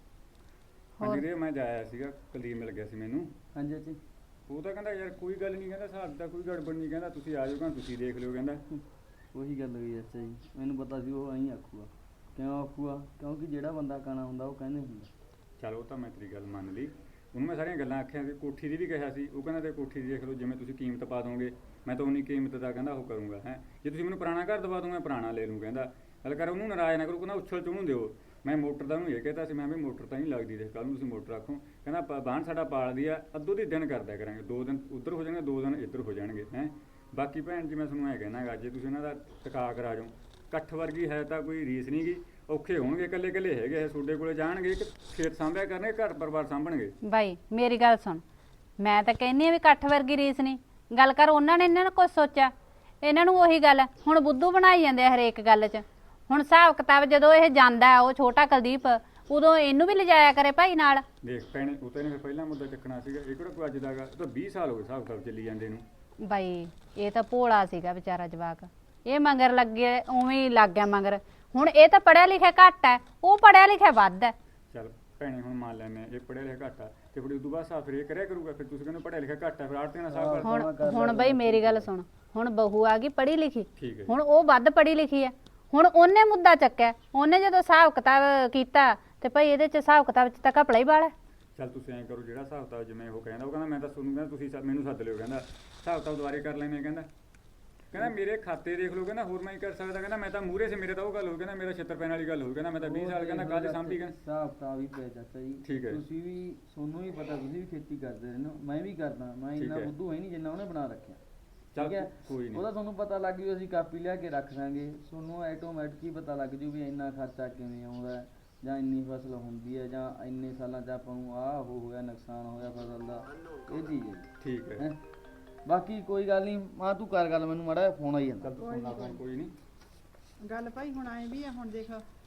ਹੋਰ ਜਗਦੇਵ ਮੈਂ ਜਾਇਆ ਸੀਗਾ, ਕੁਲਦੀਪ ਮਿਲ ਗਿਆ ਸੀ ਮੈਨੂੰ।
ਹਾਂਜੀ ਅੱਛੀ।
ਉਹ ਤਾਂ ਕਹਿੰਦਾ ਯਾਰ ਕੋਈ ਗੱਲ ਨਹੀਂ, ਕਹਿੰਦਾ ਹਿਸਾਬ ਦਾ ਕੋਈ ਗੜਬੜ ਨਹੀਂ, ਕਹਿੰਦਾ ਤੁਸੀਂ ਆ ਜਾਓ, ਕਹਿੰਦਾ ਤੁਸੀਂ ਦੇਖ ਲਿਓ, ਕਹਿੰਦਾ
ਉਹੀ ਗੱਲ ਹੋਈ ਅੱਛਾ ਜੀ, ਮੈਨੂੰ ਪਤਾ ਸੀ ਉਹ ਐਂ ਆਖੂਗਾ। ਕਿਉਂ ਆਖੂਗਾ? ਕਿਉਂਕਿ ਜਿਹੜਾ ਬੰਦਾ ਕਾਣਾ ਹੁੰਦਾ ਉਹ ਕਹਿੰਦੇ ਹੁੰਦਾ।
ਚਲ ਉਹ ਤਾਂ ਮੈਂ ਤੇਰੀ ਗੱਲ ਮੰਨ ਲਈ, ਉਹਨੂੰ ਮੈਂ ਸਾਰੀਆਂ ਗੱਲਾਂ ਆਖਿਆ ਸੀ, ਕੋਠੀ ਦੀ ਵੀ ਕਿਹਾ ਸੀ। ਉਹ ਕਹਿੰਦਾ ਤੇ ਕੋਠੀ ਦੀ ਦੇਖ ਲਓ, ਜਿਵੇਂ ਤੁਸੀਂ ਕੀਮਤ ਪਾ ਦੋਗੇ ਮੈਂ ਤਾਂ ਉਨੀ ਕੀਮਤ ਦਾ ਕਹਿੰਦਾ ਉਹ ਕਰੂੰਗਾ ਹੈ। ਜੇ ਤੁਸੀਂ ਮੈਨੂੰ ਪੁਰਾਣਾ ਘਰ ਦਵਾ ਦੋ ਮੈਂ ਪੁਰਾਣਾ ਲੈ ਲੂੰ, ਕਹਿੰਦਾ ਗੱਲ ਕਰ, ਉਹਨੂੰ ਨਾਰਾਜ਼ ਨਾ ਕਰੋ, ਕਹਿੰਦਾ ਉਛਲ ਚ ਉਹਨੂੰ ਦਿਓ। ਮੈਂ ਮੋਟਰ ਦਾ ਉਹਨੂੰ ਇਹ ਕਹਿਤਾ ਸੀ, ਮੈਂ ਵੀ ਮੋਟਰ ਤਾਂ ਨਹੀਂ ਲੱਗਦੀ, ਦੇਖ ਕੱਲ ਨੂੰ ਤੁਸੀਂ ਮੋਟਰ ਰੱਖੋ, ਕਹਿੰਦਾ ਬਾਣ ਸਾਡਾ ਪਾਲਦੀ ਆ, ਅੱਧੋ ਦੀ ਦਿਨ ਕਰਦਿਆ ਕਰਾਂਗੇ, 2 ਦਿਨ ਉੱਧਰ ਹੋ ਜਾਣਗੇ, 2 ਦਿਨ ਇੱਧਰ ਹੋ ਜਾਣਗੇ ਹੈ। ਬਾਕੀ ਭੈਣ ਜੀ ਮੈਂ ਤੁਹਾਨੂੰ ਐਂ ਕਹਿਣਾ ਗਾ, ਜੇ ਤੁਸੀਂ ਇਹਨਾਂ ਦਾ ਟਿਕਾ ਕਰਾ ਜਾਓ, ਇਕੱਠ ਵਰਗੀ ਹੈ ਤਾਂ ਕੋਈ ਰੀਸ ਨਹੀਂ ਗੀ। ਔਖੇ ਹੋਣਗੇ, ਇਕੱਲੇ ਇਕੱਲੇ ਹੈਗੇ ਇਹ, ਤੁਹਾਡੇ ਕੋਲੇ ਜਾਣਗੇ, ਇੱਕ ਖੇਤ ਸਾਂਭਿਆ ਕਰਨਗੇ, ਘਰ ਪਰਿਵਾਰ ਸਾਂਭਣਗੇ।
ਬਾਈ ਮੇਰੀ ਗੱਲ ਸੁਣ, ਮੈਂ ਤਾਂ ਕਹਿੰਦੀ ਆ ਵੀ ਇਕੱਠ ਵਰਗੀ ਰੀਸ ਨਹੀਂ, ਗੱਲ ਕਰ ਉਹਨਾਂ ਨੇ ਇਹਨਾਂ ਨੂੰ ਕੁਝ ਸੋਚਿਆ, ਇਹਨਾਂ ਨੂੰ ਉਹੀ ਗੱਲ ਹੁਣ ਬੁੱਧੂ ਬਣਾਈ ਜਾਂਦੇ ਆ ਹਰੇਕ ਗੱਲ 'ਚ। ਹੁਣ ਹਿਸਾਬ ਕਿਤਾਬ ਜਦੋਂ ਇਹ ਜਾਂਦਾ, ਉਹ ਛੋਟਾ ਕੁਲਦੀਪ, ਉਦੋਂ ਇਹਨੂੰ ਵੀ ਲਿਜਾਇਆ ਕਰੇ ਭਾਈ ਨਾਲ।
ਦੇਖ ਭੈਣੇ, ਉਹ ਤਾਂ ਇਹਨੇ ਫਿਰ ਪਹਿਲਾਂ ਮੁੱਦਾ ਚੱਕਣਾ ਸੀਗਾ, ਇਹ ਕਿਹੜਾ ਕੋਈ ਅੱਜ ਦਾ ਗਾ, ਇਹ ਤਾਂ 20 ਸਾਲ ਹੋ ਗਏ ਹਿਸਾਬ ਕਿਤਾਬ ਚੱਲੀ ਜਾਂਦੇ ਨੂੰ।
ਬਾਈ ਇਹ ਤਾਂ ਭੋਲਾ ਸੀਗਾ ਵਿਚਾਰਾ ਜਵਾਕ, ਇਹ ਮਗਰ ਲੱਗੇ ਉਵੇਂ ਹੀ ਲੱਗ ਗਿਆ ਮਗਰ। ਹੁਣ ਇਹ ਤਾਂ ਪੜਿਆ ਲਿਖਿਆ ਘੱਟ ਹੈ, ਉਹ ਪੜਿਆ ਲਿਖਿਆ ਵੱਧ ਹੈ।
ਚੱਲ ਭੈਣੇ ਹੁਣ ਮੰਨ ਲੈਂਦੇ ਇਹ ਪੜਿਆ ਲਿਖਿਆ ਘੱਟ ਆ, ਤੇ ਫਿਰ ਉਦੋਂ ਬਾਅਦ ਹਿਸਾਬ ਫਿਰ ਇਹ ਕਰਿਆ ਕਰੂਗਾ, ਫਿਰ ਤੁਸੀਂ ਕਹਿੰਦੇ ਪੜਿਆ ਲਿਖਿਆ ਘੱਟ ਆ, ਫਿਰ ਆੜਤੀਆਂ ਨਾਲ ਹਿਸਾਬ ਕਰ।
ਹੁਣ ਬਈ ਮੇਰੀ ਗੱਲ ਸੁਣ, ਹੁਣ ਬਹੂ ਆ ਗਈ ਪੜ੍ਹੀ ਲਿਖੀ,
ਠੀਕ ਹੈ।
ਹੁਣ ਉਹ ਵੱਧ ਪੜ੍ਹੀ ਲਿਖੀ ਹੈ, ਹੁਣ ਉਹਨੇ ਮੁੱਦਾ ਚੱਕਿਆ, ਉਹਨੇ ਜਦੋਂ ਹਿਸਾਬ ਕਿਤਾਬ ਕੀਤਾ ਤੇ ਭਾਈ ਇਹਦੇ ਚ ਹਿਸਾਬ ਕਿਤਾਬ ਚ ਤਾਂ ਘਪਲਾ ਹੀ ਵਾਲਾ।
ਚੱਲ ਤੁਸੀਂ ਐਂ ਕਰੋ, ਜਿਹੜਾ ਹਿਸਾਬ ਕਿਤਾਬ ਜਿਵੇਂ ਉਹ ਕਹਿੰਦਾ, ਉਹ ਕਹਿੰਦਾ ਮੈਂ ਤਾਂ ਤੁਹਾਨੂੰ ਕਹਿੰਦਾ ਤੁਸੀਂ ਮੈਨੂੰ ਸੱਦ ਲਿਓ, ਕਹਿੰਦਾ ਹਿਸਾਬ ਕਿਤਾਬ ਦੁਬਾਰੇ ਕਰ ਲੈਣੇ, ਕਹਿੰਦਾ ਮੇਰੇ ਖਾਤੇ ਦੇਖ ਲਓ, ਕਹਿੰਦਾ ਹੋਰ ਮੈਂ ਹੀ ਕਰ ਸਕਦਾ, ਕਹਿੰਦਾ ਮੈਂ ਤਾਂ ਮੂਹਰੇ ਸੇ ਮੇਰੇ ਤਾਂ ਉਹ ਗੱਲ ਹੋ, ਕਹਿੰਦਾ ਮੇਰਾ 76 ਪੈਣ ਵਾਲੀ ਗੱਲ ਹੋ, ਕਹਿੰਦਾ ਮੈਂ ਤਾਂ 20 ਸਾਲ ਕਹਿੰਦਾ ਕੱਲ ਸਾਂਭੀ, ਕਹਿੰਦਾ
ਹਿਸਾਬ ਕਿਤਾਬ ਹੀ ਪਿਆ ਚਾਚਾ ਜੀ।
ਠੀਕ ਹੈ।
ਤੁਸੀਂ ਵੀ, ਤੁਹਾਨੂੰ ਵੀ ਪਤਾ, ਤੁਸੀਂ ਵੀ ਖੇਤੀ ਕਰਦੇ ਰਹਿੰਦੇ ਹੋ, ਮੈਂ ਵੀ ਕਰਦਾ, ਮੈਂ ਇੰਨਾ ਬੁੱਧੂ ਹੈ ਨਹੀਂ ਜਿੰਨਾ ਉਹਨੇ ਬਣਾ ਰੱਖਿਆ।
ਚੱਲ
ਠੀਕ ਹੈ,
ਕੋਈ ਨਹੀਂ,
ਉਹਦਾ ਤੁਹਾਨੂੰ ਪਤਾ ਲੱਗ ਜੂ, ਅਸੀਂ ਕਾਪੀ ਲਿਆ ਕੇ ਰੱਖ ਦਾਂਗੇ, ਤੁਹਾਨੂੰ ਆਟੋਮੈਟਿਕ ਹੀ ਪਤਾ ਲੱਗ ਜੂ ਵੀ ਇੰਨਾ ਖਰਚਾ ਕਿਵੇਂ ਆਉਂਦਾ, ਜਾਂ ਇੰਨੀ ਫਸਲ ਹੁੰਦੀ ਹੈ, ਜਾਂ ਇੰਨੇ ਸਾਲਾਂ 'ਚ ਆਪਾਂ ਨੂੰ ਆਹ ਉਹ ਹੋਇਆ, ਨੁਕਸਾਨ ਹੋਇਆ ਫਸਲ ਦਾ, ਇਹ ਚੀਜ਼ ਹੈ।
ਠੀਕ ਹੈ।
ਬਾਕੀ ਕੋਈ ਗੱਲ ਨਹੀਂ, ਮਾਂ ਤੂੰ ਕਰ ਗੱਲ, ਮੈਨੂੰ ਮਾੜਾ ਫੋਨ ਆਈ ਜਾਂਦਾ।
ਚੱਲ ਤੂੰ ਸੁਣ ਲਾ ਫੋਨ, ਕੋਈ ਨਹੀਂ
ਗੱਲ ਭਾਈ ਹੁਣ ਆਏ ਵੀ ਆ, ਹੁਣ ਦੇਖ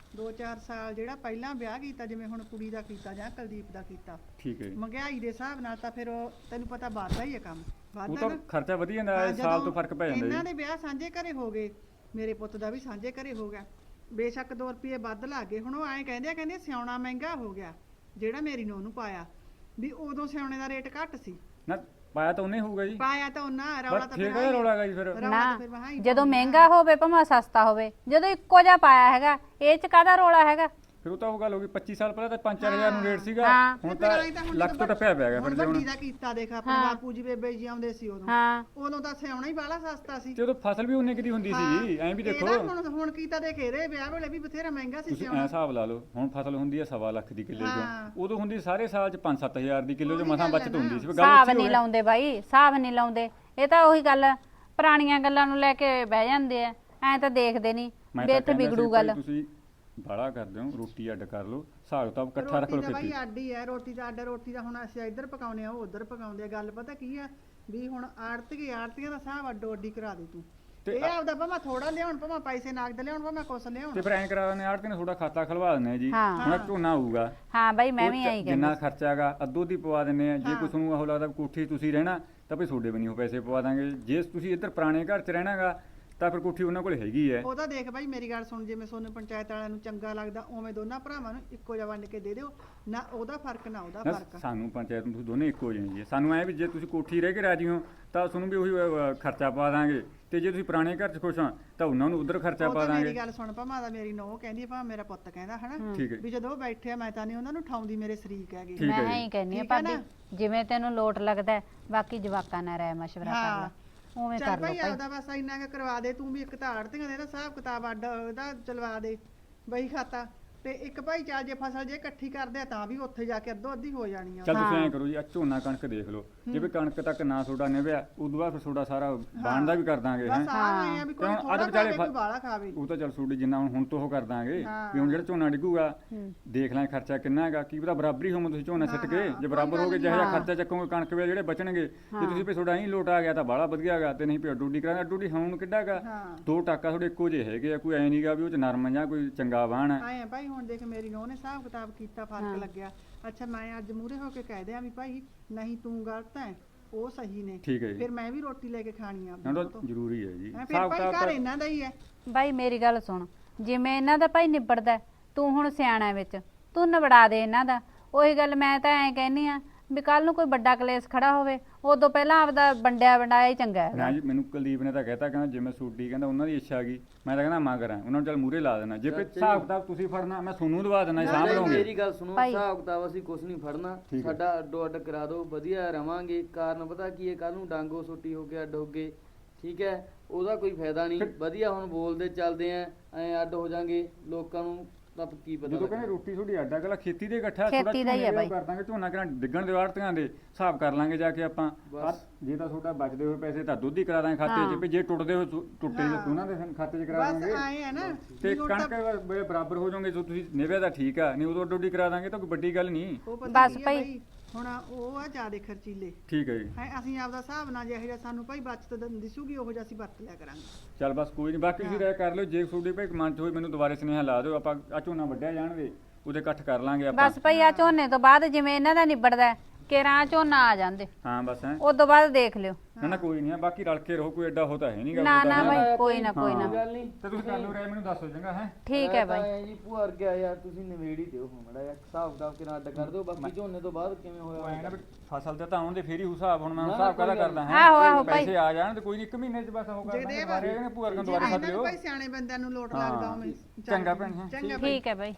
2-4 ਸਾਲ ਜਿਹੜਾ ਪਹਿਲਾਂ ਵਿਆਹ ਕੀਤਾ ਜਿਵੇਂ ਹੁਣ ਕੁੜੀ ਦਾ ਕੀਤਾ ਜਾਂ ਕੁਲਦੀਪ ਦਾ ਕੀਤਾ,
ਠੀਕ ਹੈ ਜੀ।
ਮਹਿੰਗਾਈ ਦੇ ਹਿਸਾਬ ਨਾਲ ਤਾਂ ਫਿਰ ਉਹ ਤੈਨੂੰ ਪਤਾ ਵੱਧਦਾ ਹੀ ਹੈ ਕੰਮ,
ਉਹ
ਵੱਧਦਾ
ਤਾਂ
ਨਾ।
ਖਰਚਾ ਵਧੀ ਜਾਂਦਾ
ਹਾਂ,
ਹੈ, ਸਾਲ ਤੋਂ
ਜਦੋਂ
ਫਰਕ ਪੈ ਜਾਂਦਾ
ਇਹਨਾਂ
ਜੀ।
ਦੇ ਵਿਆਹ ਸਾਂਝੇ ਘਰੇ ਹੋ ਗਏ, ਮੇਰੇ ਪੁੱਤ ਦਾ ਵੀ ਸਾਂਝੇ ਘਰੇ ਹੋ ਗਿਆ, ਬੇਸ਼ੱਕ 2 ਰੁਪਏ ਵੱਧ ਲੱਗ ਗਏ। ਹੁਣ ਉਹ ਐਂ ਕਹਿੰਦੇ ਸਿਆਉਣਾ ਮਹਿੰਗਾ ਹੋ ਗਿਆ, ਜਿਹੜਾ ਮੇਰੀ ਨੂੰਹ ਨੂੰ ਪਾਇਆ ਵੀ ਉਦੋਂ ਸਿਆਉਣੇ ਦਾ ਰੇਟ ਘੱਟ ਸੀ,
ਨਾ ਪਾਇਆ ਤਾਂ ਉਹਨੇ ਹੋਊਗਾ ਜੀ,
ਪਾਇਆ ਤਾਂ ਉਹਨਾਂ ਰੌਲਾ
ਬਸ
ਤਾਂ
ਫਿਰ
ਫਿਰ
ਕਿਹੜਾ ਰੌਲਾ ਗਾ ਜੀ ਫਿਰ।
ਰੌਲਾ
ਨਾ
ਤਾਂ ਫਿਰ ਵਹਾਂ ਹੀ
ਜਦੋਂ
ਪਾਉਂਦੇ ਆ।
ਮਹਿੰਗਾ ਹੋਵੇ ਭਾਵੇਂ ਸਸਤਾ ਹੋਵੇ, ਜਦੋਂ ਇੱਕੋ ਜਿਹਾ ਪਾਇਆ ਹੈਗਾ ਇਹ ਚ ਕਾਹਦਾ ਰੋਲਾ ਹੈਗਾ।
ਫਿਰ ਉਹ ਤਾਂ ਉਹ ਗੱਲ ਹੋ ਗਈ 25 ਸਾਲ ਪਹਿਲਾਂ ਤਾਂ 5-4000 ਨੂੰ ਰੇਟ ਸੀਗਾ,
ਹਾਂ।
ਹੁਣ
ਫਿਰ ਐਂ
ਤਾਂ
ਹੁਣ
ਲੱਖ ਤੋਂ ਟੱਪਿਆ ਪਿਆ ਗਿਆ
ਹੁਣ
ਫਿਰ ਜੇ
ਵੱਡੀ
ਹੁਣ।
ਦਾ ਕੀਤਾ ਦੇਖ ਆਪਣੇ ਬਾਪੂ ਜੀ ਬੇਬੇ ਜੀ ਆਉਂਦੇ ਸੀ ਉਦੋਂ,
ਹਾਂ
ਉਦੋਂ ਤਾਂ ਸਿਆਉਣਾ ਹੀ ਬਾਹਲਾ ਸਸਤਾ ਸੀ।
ਤੇ ਉਦੋਂ ਫਸਲ ਵੀ ਉਨੇ ਕਿਦੀ ਹੁੰਦੀ ਸੀ, ਐਂ ਵੀ ਦੇਖੋ
ਇਹਦਾ ਹੁਣ ਕੀਤਾ ਦੇਖ ਇਹਦੇ ਵਿਆਹ ਵੇਲੇ ਵੀ ਬਥੇਰਾ ਮਹਿੰਗਾ ਸੀ
ਤੁਸੀਂ ਐ
ਸਿਆਉਣਾ।
ਹਿਸਾਬ ਲਾ ਲਓ, ਹੁਣ ਫਸਲ ਹੁੰਦੀ ਹੈ 1.25 ਲੱਖ ਦੀ ਕਿੱਲੇ
ਹਾਂ।
ਚੋਂ, ਉਦੋਂ ਹੁੰਦੀ ਸਾਰੇ ਸਾਲ ਚ 5-7000 ਦੀ ਕਿੱਲੇ ਚੋਂ
ਉਹੀ
ਮਸਾਂ
ਗੱਲ
ਬਚਤ
ਹੈ
ਹੁੰਦੀ ਸੀ। ਗੱਲ
ਹਿਸਾਬ
ਉੱਚੀ
ਨਹੀਂ
ਹੋਵੇ।
ਲਾਉਂਦੇ ਬਾਈ, ਹਿਸਾਬ ਨਹੀਂ ਲਾਉਂਦੇ। ਇਹ ਤਾਂ ਉਹੀ ਗੱਲ ਪੁਰਾਣੀਆਂ ਗੱਲਾਂ ਨੂੰ ਲੈ ਕੇ ਬਹਿ ਜਾਂਦੇ ਆ, ਐ ਤਾਂ ਦੇਖਦੇ ਨਹੀਂ
ਮੈਂ
ਵੀ
ਤਾਂ
ਇੱਥੇ
ਕਹਿੰਦਾ ਸੀ
ਵਿਗੜੂ
ਭਾਈ
ਗੱਲ।
ਤੁਸੀਂ ਬਾੜਾ ਕਰਦੇ ਹੋ, ਰੋਟੀ ਅੱਡ ਕਰ ਲਓ, ਹਿਸਾਬ ਤਾਂ ਇਕੱਠਾ ਰੱਖ ਲਓ
ਰੋਟੀ ਦਾ
ਖੇਤੀ।
ਬਾਈ ਅੱਡ ਹੀ ਹੈ, ਰੋਟੀ ਦਾ ਅੱਡ, ਰੋਟੀ ਦਾ ਹੁਣ ਅਸੀਂ ਇੱਧਰ ਪਕਾਉਨੇ ਆ ਉਹ ਉੱਧਰ ਪਕਾਉਂਦੇ ਆ। ਗੱਲ ਪਤਾ ਕੀ ਆ ਵੀ ਹੁਣ ਆੜਤੀਆਂ ਦਾ ਹਿਸਾਬ ਅੱਡੋ ਅੱਡੀ ਕਰਾ ਦੇ ਤੂੰ,
ਤੇ
ਇਹ ਆਪਦਾ ਭਾਵੇਂ ਥੋੜਾ ਲਿਆਉਣ, ਭਾਵੇਂ ਪੈਸੇ ਨਗਦ ਲਿਆਉਣ, ਭਾਵੇਂ ਕੁਛ ਲਿਆਉਣ।
ਤੇ ਫਿਰ ਐਂ ਕਰਾ ਦਿੰਦੇ ਆੜਤੀ ਨੇ ਤੁਹਾਡਾ ਖਾਤਾ ਖਲਵਾ ਦਿੰਦੇ ਆ ਜੀ,
ਹਾਂ।
ਹੁਣ ਝੋਨਾ ਆਊਗਾ,
ਹਾਂ ਬਾਈ ਮੈਂ
ਉਹ
ਵੀ
ਚ
ਐਂ
ਜਿੰਨਾ
ਕਹਿੰਦੀ।
ਖਰਚਾ ਹੈਗਾ ਅੱਧੋ ਦੀ ਪਵਾ ਦਿੰਦੇ ਆ। ਜੇ
ਹਾਂ।
ਕੁਛ ਨੂੰ ਉਹ ਲੱਗਦਾ ਵੀ ਕੋਠੀ ਤੁਸੀਂ ਰਹਿਣਾ ਤਾਂ ਭਈ ਤੁਹਾਡੇ ਬਣੀ ਉਹ ਪੈਸੇ ਪਵਾ ਦਾਂਗੇ। ਜੇ ਤੁਸੀਂ ਇੱਧਰ ਪੁਰਾਣੇ ਘਰ 'ਚ ਰਹਿਣਾਗਾ ਤਾਂ ਫਿਰ ਕੋਠੀ ਉਹਨਾਂ ਕੋਲ ਹੈਗੀ ਹੈ।
ਉਹ ਤਾਂ ਦੇਖ ਬਾਈ ਮੇਰੀ ਗੱਲ ਸੁਣ, ਜਿਵੇਂ ਸੋਨੂੰ ਪੰਚਾਇਤ ਵਾਲਿਆਂ ਨੂੰ ਚੰਗਾ ਲੱਗਦਾ ਉਵੇਂ ਦੋਨਾਂ ਭਰਾਵਾਂ ਨੂੰ ਇੱਕੋ ਜਿਹਾ ਵੰਡ ਕੇ ਦੇ ਦਿਓ, ਨਾ ਉਹਦਾ ਫਰਕ ਨਾ ਉਹਦਾ
ਨਾ,
ਫਰਕ।
ਸਾਨੂੰ ਪੰਚਾਇਤ ਨੂੰ ਤੁਸੀਂ ਦੋਨੇ ਇੱਕੋ ਜਿਹੇ ਜੀ। ਸਾਨੂੰ ਐ ਵੀ ਜੇ ਤੁਸੀਂ ਕੋਠੀ ਰਹਿ ਕੇ ਰਾਜੀ ਹੋ ਤਾਂ ਤੁਹਾਨੂੰ ਵੀ ਉਹੀ ਖਰਚਾ ਪਾ ਦਾਂਗੇ, ਤੇ ਜੇ ਤੁਸੀਂ ਪੁਰਾਣੇ ਘਰ 'ਚ ਖੁਸ਼ ਹੋ ਤਾਂ ਉਹਨਾਂ ਨੂੰ ਉਧਰ ਖਰਚਾ
ਉਹ
ਪਾ
ਤਾਂ ਮੇਰੀ
ਦਾਂਗੇ।
ਗੱਲ ਸੁਣ, ਭਾਵੇਂ ਦਾ ਮੇਰੀ ਨੂੰਹ ਕਹਿੰਦੀ ਭਾਵੇਂ ਮੇਰਾ ਪੁੱਤ ਕਹਿੰਦਾ ਹਨਾ,
ਠੀਕ ਹੈ
ਵੀ ਜਦੋਂ ਉਹ ਬੈਠੇ ਆ ਮੈਂ ਤਾਂ ਨਹੀਂ ਉਹਨਾਂ ਨੂੰ ਠਾਉਂਦੀ, ਮੇਰੇ ਸ਼ਰੀਕ ਹੈਗੇ।
ਠੀਕ ਹੈ
ਮੈਂ
ਜੀ।
ਐਂ ਕਹਿੰਦੀ ਆ
ਠੀਕ ਹੈ
ਭਾਬੀ,
ਨਾ?
ਜਿਵੇਂ ਤੈਨੂੰ ਲੋਟ ਲੱਗਦਾ ਹੈ, ਬਾਕੀ ਜਵਾਕਾਂ ਨਾਲ ਰਾਏ ਮਸ਼ਵਰਾ ਕਰ
ਹਾਂ।
ਲੈ, ਉਵੇਂ
ਚੱਲ
ਕਰ ਲਓ
ਭਾਈ
ਭਾਈ।
ਆਪਦਾ ਬਸ ਇੰਨਾ ਕੁ ਕਰਵਾ ਦੇ ਤੂੰ ਵੀ, ਇੱਕ ਤਾਂ ਆੜਤੀਆਂ ਦੇ ਨਾ ਹਿਸਾਬ ਕਿਤਾਬ ਅੱਡ ਉਹਦਾ ਚਲਵਾ ਦੇ ਬਈ ਖਾਤਾ, ਤੇ ਇੱਕ ਭਾਈ ਚੱਲ ਜੇ ਫਸਲ ਜੇ ਇਕੱਠੀ ਕਰਦੇ ਆ ਤਾਂ ਵੀ ਉੱਥੇ ਜਾ ਕੇ ਅੱਧੋ ਅੱਧੀ ਹੋ ਜਾਣੀ ਆ।
ਚੱਲ ਤੁਸੀਂ ਐਂ ਕਰੋ ਜੀ, ਆ ਝੋਨਾ ਕਣਕ ਦੇਖ ਲਓ, ਜੇ ਵੀ ਕਣਕ ਤੱਕ ਨਾ ਤੁਹਾਡਾ ਨਿਭਿਆ ਉਦੋਂ ਬਾਅਦ ਫਿਰ ਤੁਹਾਡਾ ਸਾਰਾ ਬਾਣ ਦਾ ਵੀ ਕਰ ਦਾਂਗੇ ਹੈ।
ਬਸ ਆਏ ਆ ਵੀ ਕੋਈ
ਤੇ ਹੁਣ
ਥੋੜਾ
ਅੱਧ ਵਿਚਾਲੇ
ਖਾਵੇ ਕੋਈ ਬਾਲਾ ਖਾਵੇ।
ਉਹ ਤਾਂ ਚੱਲ ਤੁਹਾਡੀ ਜਿੰਨਾ ਹੁਣ ਤੋਂ ਉਹ ਕਰ ਦਾਂਗੇ
ਹਾਂ।
ਵੀ ਹੁਣ ਜਿਹੜਾ ਝੋਨਾ ਡਿੱਗੂਗਾ ਦੇਖ ਲਾਂ ਖਰਚਾ ਕਿੰਨਾ ਹੈਗਾ, ਕੀ ਪਤਾ ਬਰਾਬਰੀ ਹੋਵੇ ਤੁਸੀਂ ਝੋਨਾ ਸਿੱਟ ਕੇ, ਜੇ ਬਰਾਬਰ ਹੋ ਗਏ ਜਿਹੋ ਜਿਹਾ ਖਰਚਾ ਚੱਕੋਗੇ ਕਣਕ ਵੇ ਜਿਹੜੇ ਬਚਣਗੇ, ਜੇ ਤੁਸੀਂ ਵੀ ਤੁਹਾਡਾ ਹੀ ਲੋਟ ਆ ਗਿਆ ਤਾਂ ਬਾਹਲਾ ਵਧੀਆ ਹੈਗਾ, ਤੇ ਨਹੀਂ ਵੀ ਅੱਡੂਡੀ ਕਰਾਂਗੇ। ਅੱਡੂਡੀ ਹੁਣ ਕਿੱਡਾ ਹੈਗਾ,
ਹਾਂ।
2 ਟਾਕਾ ਤੁਹਾਡੇ ਇੱਕੋ ਜਿਹੇ ਹੈਗੇ ਆ, ਕੋਈ ਐ ਨਹੀਂਗਾ ਵੀ ਉਹ ਚ ਨਰਮ ਜਾਂ ਕੋਈ ਚੰਗਾ ਬਾਣ ਹੈ।
ਆਏ ਆ ਭਾਈ ਹੁਣ ਦੇਖ ਮੇਰੀ ਨੂੰਹ ਨੇ ਹਿਸਾਬ ਕਿਤਾਬ ਕੀਤਾ, ਫਰਕ ਲੱਗਿਆ। ਅੱਛਾ ਮੈਂ ਅੱਜ ਮੂਹਰੇ ਹੋ ਕੇ ਕਹਿ ਦਿਆਂ ਵੀ ਭਾਈ ਨਹੀਂ ਤੂੰ ਗਲਤ ਹੈ, ਉਹ ਸਹੀ ਨੇ,
ਠੀਕ ਹੈ ਜੀ।
ਫਿਰ ਮੈਂ ਵੀ ਰੋਟੀ ਲੈ ਕੇ ਖਾਣੀ ਆ
ਨਾ ਤਾਂ ਜ਼ਰੂਰੀ ਹੈ ਜੀ।
ਫਿਰ ਭਾਈ ਘਰ ਇਹਨਾਂ ਦਾ ਹੀ ਹੈ।
ਬਾਈ ਮੇਰੀ ਗੱਲ ਸੁਣ, ਜਿਵੇਂ ਇਹਨਾਂ ਦਾ ਭਾਈ ਨਿਬੜਦਾ ਹੈ, ਤੂੰ ਹੁਣ ਸਿਆਣਾ ਵਿੱਚ, ਤੂੰ ਨਿਬੜਾ ਦੇ ਇਹਨਾਂ ਦਾ। ਉਹੀ ਗੱਲ ਮੈਂ ਤਾਂ ਐਂ ਕਹਿੰਨੀ ਆ ਵੀ ਕੱਲ ਨੂੰ ਕੋਈ ਵੱਡਾ ਕਲੇਸ਼ ਖੜਾ ਹੋਵੇ, ਉਦੋਂ ਪਹਿਲਾਂ ਆਪਦਾ ਵੰਡਿਆ ਵੰਡਾਇਆ ਹੀ ਚੰਗਾ ਹੈਗਾ।
ਨਾ ਜੀ, ਮੈਨੂੰ ਕੁਲਦੀਪ ਨੇ ਤਾਂ ਕਹਿਤਾ, ਕਹਿੰਦਾ ਜਿਵੇਂ ਸੂਡੀ ਕਹਿੰਦਾ ਉਹਨਾਂ ਦੀ ਇੱਛਾ ਗਈ, ਮੈਂ ਤਾਂ ਕਹਿੰਦਾ ਮਾਂ ਕਰਾਂ ਉਹਨਾਂ ਨੂੰ ਚੱਲ ਮੂਹਰੇ ਲਾ ਦੇਣਾ। ਜੇ ਕੋਈ ਹਿਸਾਬ ਕਿਤਾਬ ਤੁਸੀਂ ਫੜਨਾ ਮੈਂ ਤੁਹਾਨੂੰ ਦਵਾ ਦੇਣਾ, ਸਾਂਭ ਲਓਗੇ।
ਮੇਰੀ ਗੱਲ ਸੁਣੋ,
ਭਾਈ।
ਹਿਸਾਬ ਕਿਤਾਬ ਅਸੀਂ ਕੁਝ ਨਹੀਂ ਫੜਨਾ,
ਠੀਕ ਹੈ।
ਸਾਡਾ ਅੱਡੋ ਅੱਡ ਕਰਾ ਦਿਓ, ਵਧੀਆ ਰਵਾਂਗੇ। ਕਾਰਨ ਪਤਾ ਕੀ ਹੈ, ਕੱਲ ਨੂੰ ਡਾਂਗੋ ਸੋਟੀ ਹੋ ਕੇ ਅੱਡ ਹੋ ਗਏ, ਠੀਕ ਹੈ, ਉਹਦਾ ਕੋਈ ਫਾਇਦਾ ਨਹੀਂ। ਵਧੀਆ ਹੁਣ ਬੋਲਦੇ ਚੱਲਦੇ ਆ, ਐ ਅੱਡ ਹੋ ਜਾਾਂਗੇ, ਲੋਕਾਂ ਨੂੰ ਤਾਂ ਕੀ ਪਤਾ
ਜਦੋਂ ਕਹਿੰਦੇ ਰੋਟੀ ਤੁਹਾਡੀ ਅੱਡਾ ਗਲਾ ਖੇਤੀ ਦੇ ਇਕੱਠਾ
ਖੇਤੀ ਦਾ ਹੀ ਹੈ ਬਾਈ।
ਕਰ ਦਾਂਗੇ, ਝੋਨਾ ਕਿਹੜਾ ਡਿੱਗਣ ਦੇ ਆੜਤੀਆਂ ਦੇ ਹਿਸਾਬ ਕਰ ਲਾਂਗੇ ਜਾ ਕੇ ਆਪਾਂ। ਜੇ ਤਾਂ ਤੁਹਾਡਾ ਬਚਦੇ ਹੋਏ ਪੈਸੇ ਤਾਂ ਦੁੱਧ ਹੀ ਕਰਾ ਦਾਂਗੇ ਖਾਤੇ 'ਚ, ਵੀ ਜੇ ਟੁੱਟਦੇ ਹੋਏ ਟੁੱਟੇ ਉਹਨਾਂ ਦੇ ਖਾਤੇ 'ਚ ਕਰਾ
ਬਸ
ਦਾਂਗੇ।
ਆਏ ਆ ਨਾ
ਤੇ ਕਣਕ ਵੇਲੇ ਬਰਾਬਰ ਹੋ ਜਾਓਗੇ, ਜੋ ਤੁਸੀਂ ਨਿਭਿਆ ਤਾਂ ਠੀਕ ਆ, ਨਹੀਂ ਉਦੋਂ ਅੱਡੋਡੀ ਕਰਾ ਦਾਂਗੇ ਤਾਂ ਕੋਈ ਵੱਡੀ ਗੱਲ ਨਹੀਂ।
ਉਹ ਪਤਾ
ਬਸ
ਕੀ ਆ
ਭਾਈ।
ਭਾਈ, ਹੁਣ ਉਹ ਆ ਜ਼ਿਆਦੇ ਖਰਚੀਲੇ
ਠੀਕ ਹੈ ਜੀ।
ਹੈ, ਅਸੀਂ ਆਪਦਾ ਹਿਸਾਬ ਨਾਲ ਜਿਹੋ ਜਿਹਾ ਸਾਨੂੰ ਭਾਈ ਬਚਤ ਦਿਸੂਗੀ ਉਹੋ ਜਿਹਾ ਅਸੀਂ ਵਰਤ ਲਿਆ ਕਰਾਂਗੇ।
ਚੱਲ ਬਸ ਕੋਈ ਨਹੀਂ, ਬਾਕੀ ਤੁਸੀਂ ਰਾਇ ਕਰ ਲਿਓ। ਜੇ ਤੁਹਾਡੀ ਭਾਈ ਮਨ 'ਚ ਹੋਈ ਮੈਨੂੰ ਦੁਬਾਰੇ ਸੁਨੇਹਾ ਲਾ ਦਿਓ, ਆਪਾਂ ਆ ਝੋਨਾ ਵੱਢਿਆ ਜਾਣਗੇ ਉਹਦੇ ਇਕੱਠ ਕਰ ਲਾਂਗੇ ਆਪਾਂ।
ਬਸ ਭਾਈ ਆ ਝੋਨੇ ਤੋਂ ਬਾਅਦ ਜਿਵੇਂ ਇਹਨਾਂ ਦਾ ਨਿਬੜਦਾ ਕਿਰਾਂ ਝੋਨਾ ਆ ਜਾਂਦੇ,
ਹਾਂ ਬਸ ਹੈ।
ਉਸ ਤੋਂ ਬਾਅਦ ਦੇਖ ਲਿਓ।
ਨਾ ਕੋਈ ਨਹੀਂ, ਬਾਕੀ ਰਲ ਕੇ ਰਹੋ, ਕੋਈ ਐਡਾ ਹੋਤਾ ਹੈ ਨਹੀਂਗਾ।
ਨਾ ਨਾ ਬਾਈ, ਕੋਈ ਨਾ ਕੋਈ ਨਾ।
ਗੱਲ ਨਹੀਂ।
ਤੇ ਤੁਸੀਂ ਕਰ ਲਿਓ ਰਾਇ, ਮੈਨੂੰ ਦੱਸੋ ਚੰਗਾ ਹੈ।
ਠੀਕ ਹੈ ਬਾਈ।
ਐ ਜੀ ਭੂਆ ਵਰਗਿਆ ਯਾਰ, ਤੁਸੀਂ ਨਿਵੇੜ ਹੀ ਦਿਓ ਹੁਣ ਮੜਾ ਜਿਹਾ ਹਿਸਾਬ ਕਿਤਾਬ ਕਿਨਾਂ ਅੱਡ ਕਰ ਦਿਓ। ਬਾਕੀ ਝੋਨੇ ਤੋਂ ਬਾਅਦ ਕਿਵੇਂ
ਉਹ ਐਂ
ਹੋਇਆ
ਨਾ ਵੀ ਫਸਲ ਤੇ ਤਾਂ ਆਉਂਦੇ ਫੇਰ ਹੀ ਹਿਸਾਬ, ਹੁਣ ਮੈਂ
ਨਾ,
ਹਿਸਾਬ ਕਾਹਦਾ
ਕੋਈ ਗੱਲ
ਕਰਦਾ
ਨਹੀਂ। ਆਹੋ, ਆਹੋ ਭਾਈ।
ਪੈਸੇ ਆ ਜਾਣ ਤੇ ਕੋਈ ਨਹੀਂ, 1 ਮਹੀਨੇ 'ਚ ਬਸ ਉਹ ਕਰ ਦਾਂਗੇ। ਦੁਬਾਰੇ ਇਹਨੇ ਭੂਆ ਵਰਗਾਂ ਦੁਬਾਰੇ ਸੱਦ ਲਿਓ।
ਭਾਈ ਸਿਆਣੇ ਬੰਦਿਆਂ ਨੂੰ ਲੋਟ
ਹਾਂ।
ਲੱਗਦਾ ਉਵੇਂ।
ਚੰਗਾ ਭੈਣ, ਹਾਂ।
ਚੰਗਾ ਭਾਈ।
ਠੀਕ ਹੈ ਬਾਈ।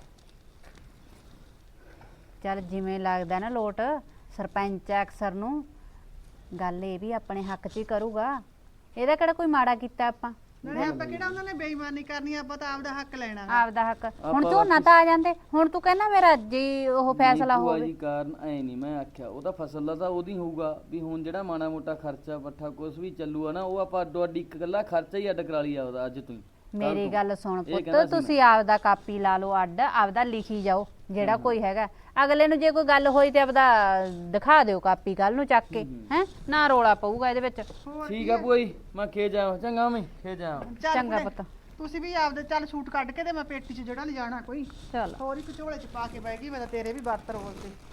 ਚੱਲ ਜਿਵੇਂ ਲੱਗਦਾ ਨਾ ਲੋਟ, ਸਰਪੰਚ ਅਕਸਰ ਨੂੰ ਗੱਲ ਇਹ ਵੀ ਆਪਣੇ ਹੱਕ 'ਚ ਹੀ ਕਰੂਗਾ। ਇਹਦਾ ਕਿਹੜਾ ਕੋਈ ਮਾੜਾ ਕੀਤਾ ਆਪਾਂ,
ਨਾਲੇ ਆਪਾਂ ਕਿਹੜਾ ਉਹਨਾਂ ਨੇ ਬੇਈਮਾਨੀ ਕਰਨੀ, ਆਪਾਂ ਤਾਂ ਆਪਦਾ ਹੱਕ ਲੈਣਾ।
ਆਪਦਾ ਹੱਕ। ਹੁਣ ਝੋਨਾ ਤਾਂ ਆ ਜਾਂਦੇ, ਹੁਣ ਤੂੰ ਕਹਿੰਦਾ ਮੇਰਾ ਜੀ ਉਹ ਫੈਸਲਾ
ਭੂਆ
ਹੋਵੇ।
ਜੀ ਕਾਰਨ ਐ ਨਹੀਂ ਮੈਂ ਆਖਿਆ, ਉਹਦਾ ਫਸਲ ਦਾ ਤਾਂ ਉਹਦੀ ਹੋਊਗਾ ਵੀ ਹੁਣ ਜਿਹੜਾ ਮਾੜਾ ਮੋਟਾ ਖਰਚਾ ਪੱਠਾ ਕੁਛ ਵੀ ਚੱਲੂਗਾ ਨਾ, ਉਹ ਆਪਾਂ ਅੱਡੋ ਅੱਡੀ ਇਕੱਲਾ ਖਰਚਾ ਹੀ ਅੱਡ ਕਰਾ ਲਈ ਆਪਦਾ ਅੱਜ ਤੋਂ ਹੀ।
ਮੇਰੀ ਗੱਲ ਸੁਣ
ਇਹ
ਪੁੱਤ,
ਕਹਿੰਦਾ ਸੀ
ਤੁਸੀਂ ਆਪਦਾ ਕਾਪੀ ਲਾ ਲਓ ਅੱਡ, ਆਪਦਾ ਲਿਖੀ ਜਾਓ ਜਿਹੜਾ ਕੋਈ ਹੈਗਾ। ਅਗਲੇ ਨੂੰ ਜੇ ਕੋਈ ਗੱਲ ਹੋਈ ਤੇ ਆਪਦਾ ਦਿਖਾ ਦਿਓ ਕਾਪੀ ਕੱਲ ਨੂੰ ਚੱਕ ਕੇ, ਹੈ ਨਾ ਰੋਲਾ ਪਊਗਾ ਇਹਦੇ ਵਿੱਚ।
ਠੀਕ ਆ ਭੂਆ ਜੀ, ਮੈਂ ਖੇ ਜਾ ਚੰਗਾ, ਮੈਂ ਖੇ ਜਾ।
ਚੱਲ
ਚੰਗਾ
ਕੁੜੇ,
ਪੁੱਤ।
ਤੁਸੀਂ ਵੀ ਆਪਦੇ ਚੱਲ ਸੂਟ ਕੱਢ ਕੇ ਤੇ ਮੈਂ ਪੇਟੀ 'ਚ ਜਿਹੜਾ ਲਿਜਾਣਾ ਕੋਈ
ਚੱਲ
ਹੋਰ ਇੱਕ ਝੋਲੇ 'ਚ ਪਾ ਕੇ ਬਹਿ ਗਈ ਮੈਂ ਤਾਂ ਤੇਰੇ ਵੀ ਵਰਤ ਰੋਲ ਤੇ